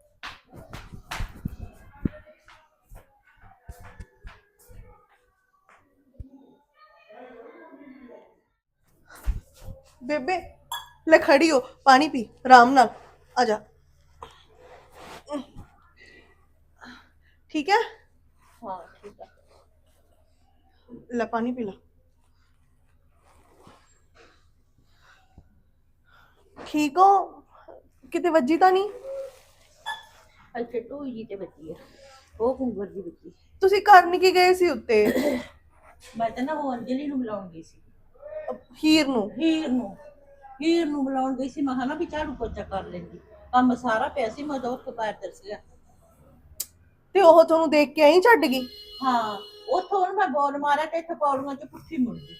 [SPEAKER 6] ਬੇਬੇ ਲੈ ਖੜੀ ਹੋ, ਪਾਣੀ ਪੀ ਆਰਾਮ ਨਾਲ, ਆ ਜਾ। ਠੀਕ ਹੈ?
[SPEAKER 7] ਹਾਂ ਠੀਕ ਹੈ।
[SPEAKER 6] ਲੈ ਪਾਣੀ ਪੀ ਲਾ। ਠੀਕ ਹੋ? ਕਿਤੇ ਵੱਜੀ ਤਾਂ ਨਹੀਂ?
[SPEAKER 7] ਇੱਥੇ ਟੂਈ ਜੀ ਤੇ ਬੱਚੀ ਹੈ, ਉਹ ਕੁੰਗਰ ਦੀ ਬੱਚੀ।
[SPEAKER 6] ਤੁਸੀਂ ਕਰਨ ਕੀ ਗਏ ਸੀ ਉੱਤੇ?
[SPEAKER 7] ਮੈਂ ਤਾਂ ਨਾ ਉਹ ਅੰਜਲੀ ਨੂੰ ਬੁਲਾਉਣ ਗਈ ਸੀ,
[SPEAKER 6] ਹੀਰ ਨੂੰ?
[SPEAKER 7] ਹੀਰ ਨੂੰ ਬੁਲਾਉਣ ਗਈ ਸੀ। ਮੈਂ ਕਿਹਾ ਨਾ ਵੀ ਝਾੜੂ ਪੋਚਾ ਕਰ ਲੈਂਦੀ, ਕੰਮ ਸਾਰਾ ਪਿਆ ਸੀ, ਮੈਂ ਤਾਂ ਉੱਠ ਕੇ ਪੈਰ ਤਰਸਿਆ।
[SPEAKER 6] ਤੇ ਉਹ ਤੁਹਾਨੂੰ ਦੇਖ ਕੇ ਐਂ ਛੱਡ ਗਈ?
[SPEAKER 7] ਹਾਂ ਉੱਥੋਂ ਹੁਣ ਮੈਂ ਬੋਲ ਮਾਰਿਆ ਤੇ ਇੱਥੇ ਪੌੜੀਆਂ 'ਚ ਪੁੱਠੀ ਮੁੜ ਗਈ।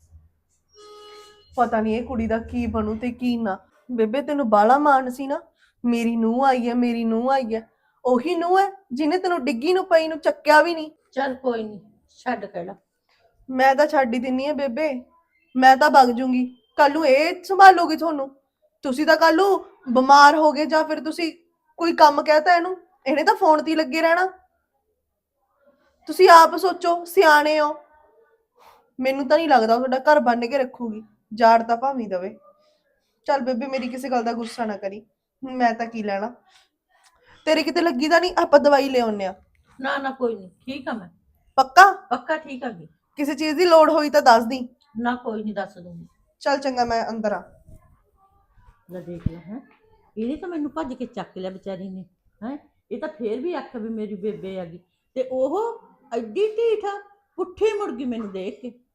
[SPEAKER 6] ਪਤਾ ਨਹੀਂ ਇਹ ਕੁੜੀ ਦਾ ਕੀ ਬਣੂ ਤੇ ਕੀ ਨਾ। ਬੇਬੇ ਤੈਨੂੰ ਬਾਲਾ ਮਾਣ ਸੀ ਨਾ, ਮੇਰੀ ਨੂੰਹ ਆਈ ਹੈ, ਮੇਰੀ ਨੂੰਹ ਆਈ ਹੈ। ਉਹੀ ਨੂੰਹ ਹੈ ਜਿਹਨੇ ਤੈਨੂੰ ਡਿੱਗੀ ਨੂੰ ਪਈ ਨੂੰ ਚੱਕਿਆ ਵੀ ਨਹੀਂ।
[SPEAKER 7] ਚੱਲ ਕੋਈ ਨਹੀਂ, ਛੱਡ ਕਿਹੜਾ।
[SPEAKER 6] ਮੈਂ ਤਾਂ ਛੱਡ ਹੀ ਦਿੰਨੀ ਆ ਬੇਬੇ, ਮੈਂ ਤਾਂ ਵਗ ਜੂੰਗੀ। ਕੱਲ ਨੂੰ ਇਹ ਸੰਭਾਲੂਗੀ ਤੁਹਾਨੂੰ? ਤੁਸੀਂ ਤਾਂ ਕੱਲ ਨੂੰ ਬਿਮਾਰ ਹੋ ਗਏ ਜਾਂ ਫਿਰ ਤੁਸੀਂ ਕੋਈ ਕੰਮ ਕਹਿਤਾ ਇਹਨੂੰ, ਇਹਨੇ ਤਾਂ ਫੋਨ ਤੇ ਹੀ ਲੱਗੇ ਰਹਿਣਾ। ਤੁਸੀਂ ਆਪ ਸੋਚੋ, ਸਿਆਣੇ ਹੋ। ਮੈਨੂੰ ਤਾਂ ਨਹੀਂ ਲੱਗਦਾ ਤੁਹਾਡਾ ਘਰ ਬੰਨ ਕੇ ਰੱਖੂਗੀ, ਜਾੜ ਤਾਂ ਭਾਵੇਂ ਦਵੇ। ਚੱਲ ਬੇਬੇ ਮੇਰੀ ਕਿਸੇ ਗੱਲ ਦਾ ਗੁੱਸਾ ਨਾ ਕਰੀ, ਮੈਂ ਤਾਂ ਕੀ ਲੈਣਾ। ਤੇਰੇ ਕਿਤੇ ਲੱਗੀ ਤਾਂ ਨਹੀਂ? ਆਪਾਂ ਦਵਾਈ ਲੈ ਆਉਂਦੇ ਆ।
[SPEAKER 7] ਨਾ ਨਾ ਕੋਈ ਨਹੀਂ, ਠੀਕ ਆ ਮੈਂ
[SPEAKER 6] ਪੱਕਾ?
[SPEAKER 7] ਪੱਕਾ ਠੀਕ ਆ ਗਈ।
[SPEAKER 6] ਕਿਸੇ ਚੀਜ਼ ਦੀ ਲੋੜ ਹੋਈ ਤਾਂ ਦੱਸ ਦੀ।
[SPEAKER 7] ਨਾ ਕੋਈ ਨਹੀਂ, ਦੱਸ ਦੂੰਗੀ।
[SPEAKER 6] ਚੱਲ ਚੰਗਾ, ਮੈਂ ਅੰਦਰ ਆ।
[SPEAKER 7] ਲੈ ਦੇਖ ਲੈ, ਹੈ ਇਹਨੇ ਤਾਂ ਮੈਨੂੰ ਭੱਜ ਕੇ ਚੱਕ ਲਿਆ ਵਿਚਾਰੀ ਨੇ। ਹੈ ਇਹ ਤਾਂ ਫੇਰ ਵੀ ਆਖਿਆ ਵੀ ਮੇਰੀ ਬੇਬੇ ਆ ਗਈ, ਤੇ ਉਹ ਐਡੀ ਢੀਠ ਪੁੱਠੀ ਮੁੜ ਗਈ ਮੈਨੂੰ ਦੇਖ ਕੇ।